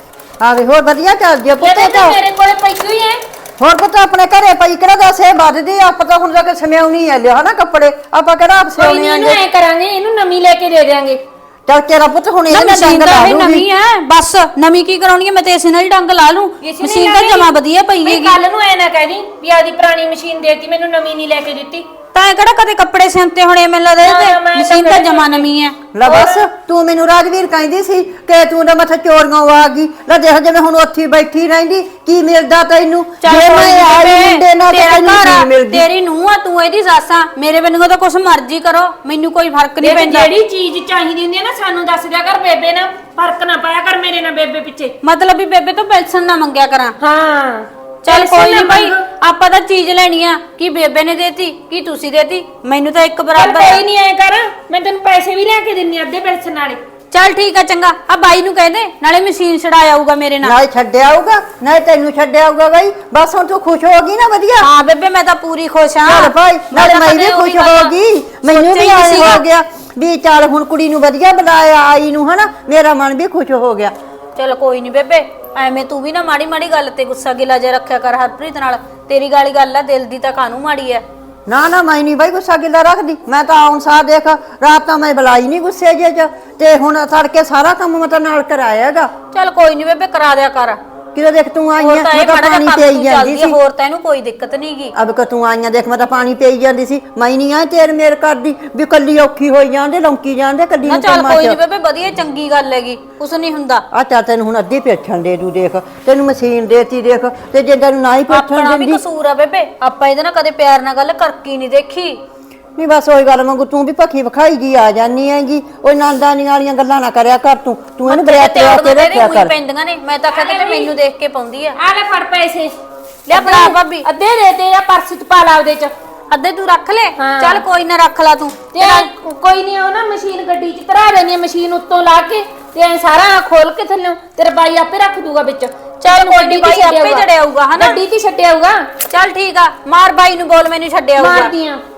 ਆ ਵੇ ਹੋਰ ਵਧੀਆ ਚੱਲ ਜੇ ਪੁੱਤ
ਇਹਦੇ
ਇਹ
ਤਾਂ
ਤਾਂ
ਮੇਰੇ ਕੋਲੇ ਪਈ ਹੋਈ ਹੈ
ਹੋਰ ਪੁੱਤ ਆਪਣੇ ਘਰੇ ਪਈ ਕਿਹੜਾ ਦੱਸ ਇਹ ਵੱਧਦੀ ਆ, ਆਪਾਂ ਤਾਂ ਹੁਣ ਜਾ ਕੇ ਸਮਿਆਉਣੀ ਆ ਲਿਆ ਹਨਾ ਕੱਪੜੇ ਆਪਾਂ ਕਿਹੜਾ ਆਪ
ਕੋਈ
ਸਿਉਣੇ
ਨਹੀਂ ਇਹਨੂੰ
ਆਂਗੇ
ਐ ਕਰਾਂਗੇ ਇਹਨੂੰ ਨਵੀਂ ਲੈ ਕੇ ਦੇ ਦੇਾਂਗੇ
ਚੱਲ ਤੇਰਾ ਪੁੱਤ ਹੁਣ
ਨਾ
ਇਹਦੇ ਨਾਲ
ਮਸ਼ੀਨ
ਡੰਗ
ਤਾਂ
ਲਾ
ਇਹ
ਲੂਗੀ
ਨਵੀਂ ਹੈ ਬਸ ਨਵੀਂ ਕੀ ਕਰਾਉਣੀ ਹੈ ਮੈਂ ਤੇ ਇਸੇ ਨਾਲ ਹੀ ਡੰਗ ਲਾ ਲੂੰ ਮਸ਼ੀਨ ਤਾਂ ਜਮਾ ਵਧੀਆ ਪਈ ਹੈਗੀ
ਕੱਲ ਨੂੰ ਐ ਨਾ ਕਹਿਦੀ ਵੀ ਆਦੀ ਪੁਰਾਣੀ ਮਸ਼ੀਨ ਦੇਤੀ ਮੈਨੂੰ ਨਵੀਂ ਨਹੀਂ ਲੈ ਕੇ ਦਿੱਤੀ
ਤਾਂ ਇਹ ਕਿਹੜਾ ਕਦੇ ਕੱਪੜੇ ਸਿਉਂਤੇ ਹੋਣੇ ਮੈਨੂੰ ਲੱਗਦਾ
ਨਾ,
ਇਹ
ਮੈਂ
ਤੇ
ਤਾਂ
ਮਸ਼ੀਨ ਤਾਂ
ਕਦੇ
ਜਮਾ ਨਵੀਂ ਹੈ
ਲੈ ਬਸ ਤੂੰ ਮੈਨੂੰ ਰਾਜਵੀਰ ਕਹਿੰਦੀ ਸੀ ਕਿ ਤੂੰ ਨਾ ਮੱਥੇ ਚੋਰੀਆਂ ਆ ਗਈ ਲੈ ਦੇਖ ਜਿਵੇਂ ਹੁਣ ਉੱਥੇ ਹੀ ਬੈਠੀ ਰਹਿੰਦੀ ਕੀ ਮਿਲਦਾ ਤੈਨੂੰ
ਚੱਲ
ਜੇ
ਕੋਈ
ਮੈਂ
ਨੀ
ਆਈ
ਬੇਬੇ,
ਮੁੰਡੇ ਨਾਲ ਤਾਂ
ਤੇਰਾ
ਤੈਨੂੰ
ਘਰ
ਕੀ
ਆ,
ਮਿਲਦੀ
ਤੇਰੀ ਨੂੰਹ ਆ ਤੂੰ ਇਹਦੀ ਸੱਸ ਆ ਮੇਰੇ ਵੱਲੋਂ ਤਾਂ ਕੁਛ ਮਰਜ਼ੀ ਕਰੋ ਮੈਨੂੰ ਕੋਈ ਫਰਕ ਨਹੀਂ
ਦੇਖ
ਪੈਂਦਾ
ਜਿਹੜੀ ਚੀਜ਼ ਚਾਹੀਦੀ ਹੁੰਦੀ ਹੈ ਨਾ ਸਾਨੂੰ ਦੱਸ ਦਿਆ ਕਰ ਬੇਬੇ ਨਾਲ ਫਰਕ ਨਾ ਪਾਇਆ ਕਰ ਮੇਰੇ ਨਾਲ ਬੇਬੇ ਪਿੱਛੇ
ਮਤਲਬ ਵੀ ਬੇਬੇ ਤੋਂ ਪੈਨਸ਼ਨ ਨਾ ਮੰਗਿਆ ਕਰਾਂ
ਹਾਂ
ਚੱਲ ਕੋਈ ਨਹੀਂ ਭਾਈ ਆਪਾਂ ਤਾਂ ਚੀਜ਼ ਲੈਣੀ ਆ ਕੀ ਬੇਬੇ ਨੇ ਦੇਤੀ ਕੀ ਤੁਸੀਂ ਦੇਤੀ ਮੈਨੂੰ ਤਾਂ ਇੱਕ
ਚੱਲ
ਬਰਾਬਰ ਆ।
ਕੋਈ ਨਹੀਂ ਐ ਕਰ ਮੈਂ ਤੈਨੂੰ ਪੈਸੇ ਵੀ ਲੈ ਕੇ ਦਿੰਨੀ ਅੱਧੇ ਪੈਸੇ ਨਾਲੇ
ਚੱਲ ਠੀਕ ਆ ਚੰਗਾ ਆ ਬਾਈ ਨੂੰ ਕਹਿ ਦੇ ਨਾਲੇ ਮਸ਼ੀਨ ਛਡਾ ਆਊਗਾ ਮੇਰੇ ਨਾਲ
ਨਾ ਛੱਡਿਆ ਆਊਗਾ ਨਾ ਤੈਨੂੰ ਛੱਡਿਆ ਆਊਗਾ ਗਈ ਬਸ ਹੁਣ ਤੂੰ ਖੁਸ਼ ਹੋ ਗਈ ਨਾ ਵਧੀਆ
ਹਾਂ ਬੇਬੇ ਮੈਂ ਤਾਂ ਪੂਰੀ ਖੁਸ਼ ਹਾਂ
ਚੱਲ ਭਾਈ ਨਾਲੇ
ਤਾਂ
ਮੈਂ
ਕਦੇ
ਵੀ
ਉਹੀ
ਖੁਸ਼
ਗੱਲ
ਹੋ ਗਈ ਮੈਨੂੰ ਵੀ
ਸੋਚਿਆ ਹੀ
ਆਏ
ਸੀਗਾ।
ਹੋ ਗਿਆ ਵੀ ਚੱਲ ਹੁਣ ਕੁੜੀ ਨੂੰ ਵਧੀਆ ਬੁਲਾਇਆ ਆਈ ਨੂੰ ਹਨਾ ਮੇਰਾ ਮਨ ਵੀ ਖੁਸ਼ ਹੋ ਗਿਆ
ਚਲ ਕੋਈ ਨਹੀਂ ਬੇਬੇ ਐਵੇਂ ਤੂੰ ਵੀ ਨਾ ਮਾੜੀ ਮਾੜੀ ਗੱਲ ਤੇ ਗੁੱਸਾ ਗਿਲਾ ਜੇ ਰੱਖਿਆ ਕਰ ਹਰਪ੍ਰੀਤ ਨਾਲ ਤੇਰੀ ਗਾਲੀ ਗੱਲ ਆ ਦਿਲ ਦੀ ਤਾਂ ਕਾਹਨੂੰ ਮਾੜੀ ਐ
ਨਾ ਨਾ ਮੈਂ ਨਹੀਂ ਬਾਈ ਗੁੱਸਾ ਗਿੱਲਾ ਰੱਖਦੀ ਮੈਂ ਤਾਂ ਆਉਣ ਸਾਰ ਦੇਖ ਰਾਤ ਤਾਂ ਮੈਂ ਬੁਲਾਈ ਨਹੀਂ ਗੁੱਸੇ ਜੇ ਚ ਤੇ ਹੁਣ ਤੜਕੇ ਸਾਰਾ ਕੰਮ ਮੈਂ ਤਾਂ ਨਾਲ ਕਰਾਇਆ ਹੈਗਾ
ਚਲ ਕੋਈ ਨਹੀਂ ਬੇਬੇ ਕਰਾ ਦਿਆ ਕਰ
ਕਿਦੋਂ ਦੇਖ ਤੂੰ ਆਈ
ਹੋਰ
ਹੈ
ਤਾਂ
ਮੈਂ
ਇਹ
ਤਾਂ
ਖੜਾ
ਪਾਣੀ
ਕੰਮ
ਪਈ
ਤੂੰ
ਜਾਂਦੀ
ਚੱਲਦੀ ਆ
ਸੀ
ਹੋਰ ਤਾਂ ਇਹਨੂੰ ਕੋਈ ਦਿੱਕਤ ਨਹੀਂਗੀ
ਅਬ ਕਿ ਤੂੰ ਆਈਆਂ ਦੇਖ ਮੈਂ ਤਾਂ ਪਾਣੀ ਪਈ ਜਾਂਦੀ ਸੀ ਮੈਂ ਨਹੀਂ ਆ ਤੇਰ ਮੇਰ ਕਰਦੀ ਵੀ ਕੱਲੀ ਔਖੀ ਹੋਈ ਜਾਂਦੇ ਲੌਂਕੀ ਜਾਂਦੇ ਕੱਲੀ
ਨਾ
ਨੂੰ
ਚੱਲ
ਕੰਮਾਂ
ਕੋਈ
ਚ
ਨਹੀਂ ਬੇਬੇ ਵਧੀਆ ਚੰਗੀ ਗੱਲ ਹੈਗੀ ਕੁਛ ਨਹੀਂ ਹੁੰਦਾ
ਆ ਚਾ ਤੈਨੂੰ ਹੁਣ ਅੱਧੀ ਪੇਛਣ ਦੇ ਦੂ ਦੇਖ ਤੈਨੂੰ ਮਸ਼ੀਨ ਦੇਤੀ ਦੇਖ ਤੇ ਜੇ ਤੈਨੂੰ ਨਾ ਹੀ ਪੇਛਣ
ਆਪਣਾ ਵੀ
ਦਿੰਦੀ
ਕਸੂਰ ਆ ਬੇਬੇ ਆਪਾਂ ਇਹਦੇ ਨਾਲ ਕਦੇ ਪਿਆਰ ਨਾਲ ਗੱਲ ਕਰਕੀ ਨਹੀਂ ਦੇਖੀ
ਨਹੀਂ ਬਸ ਉਹੀ ਗੱਲ ਮੰਗੂ ਤੂੰ ਵੀ ਭੱਖੀ ਵਿਖਾਈ ਜੀ ਆ ਜਾਨੀ ਹੈਗੀ ਉਹ ਨੰਦਾਨੀ ਵਾਲੀਆਂ ਗੱਲਾਂ ਨਾ ਕਰਿਆ ਕਰ ਤੂੰ ਇਹਨੂੰ ਬਰਿਆ ਤੇ ਆ ਕੇ ਰੱਖਿਆ ਕਰ
ਪੈਂਦੀਆਂ ਨੇ ਮੈਂ ਤਾਂ ਕਹਿੰਦਾ ਮੈਨੂੰ ਦੇਖ ਕੇ ਪਾਉਂਦੀ ਆ
ਆ ਲੈ ਫੜ ਪੈਸੇ
ਲੈ ਫੜਾ ਭਾਬੀ
ਅੱਧੇ ਦੇ ਤੇ ਆ ਪਰਸ ਚ ਪਾ ਲਾ ਉਹਦੇ ਚ
ਅੱਧੇ ਤੂੰ ਰੱਖ ਲੈ
ਹਾਂ।
ਚੱਲ ਕੋਈ ਨਾ ਰੱਖ ਲਾ ਤੂੰ
ਤੇ ਕੋਈ ਨਹੀਂ ਉਹ ਨਾ ਮਸ਼ੀਨ ਗੱਡੀ ਚ ਧਰਾ ਦੇਣੀ ਆ ਮਸ਼ੀਨ ਉੱਤੋਂ ਲਾ ਕੇ ਤੇ ਐ ਸਾਰਾ ਖੋਲ ਕੇ ਥੱਲੇ ਤੇਰਾ ਬਾਈ ਆਪੇ ਰੱਖ ਦੂਗਾ ਵਿੱਚ
ਚੱਲ ਕੋਈ ਨੀ, ਬਾਈ ਆਪੇ ਚੜਿਆ ਆਊਗਾ, ਹਨਾ?
ਗੱਡੀ ਤੇ ਛੱਡਿਆ ਆਊਗਾ
ਚੱਲ ਠੀਕ ਆ ਮਾਰ ਬਾਈ ਨੂੰ ਬੋਲ ਮੈਨੂੰ ਛੱਡਿਆ ਹੋਊਗਾ
ਮਾਰਦੀ ਆ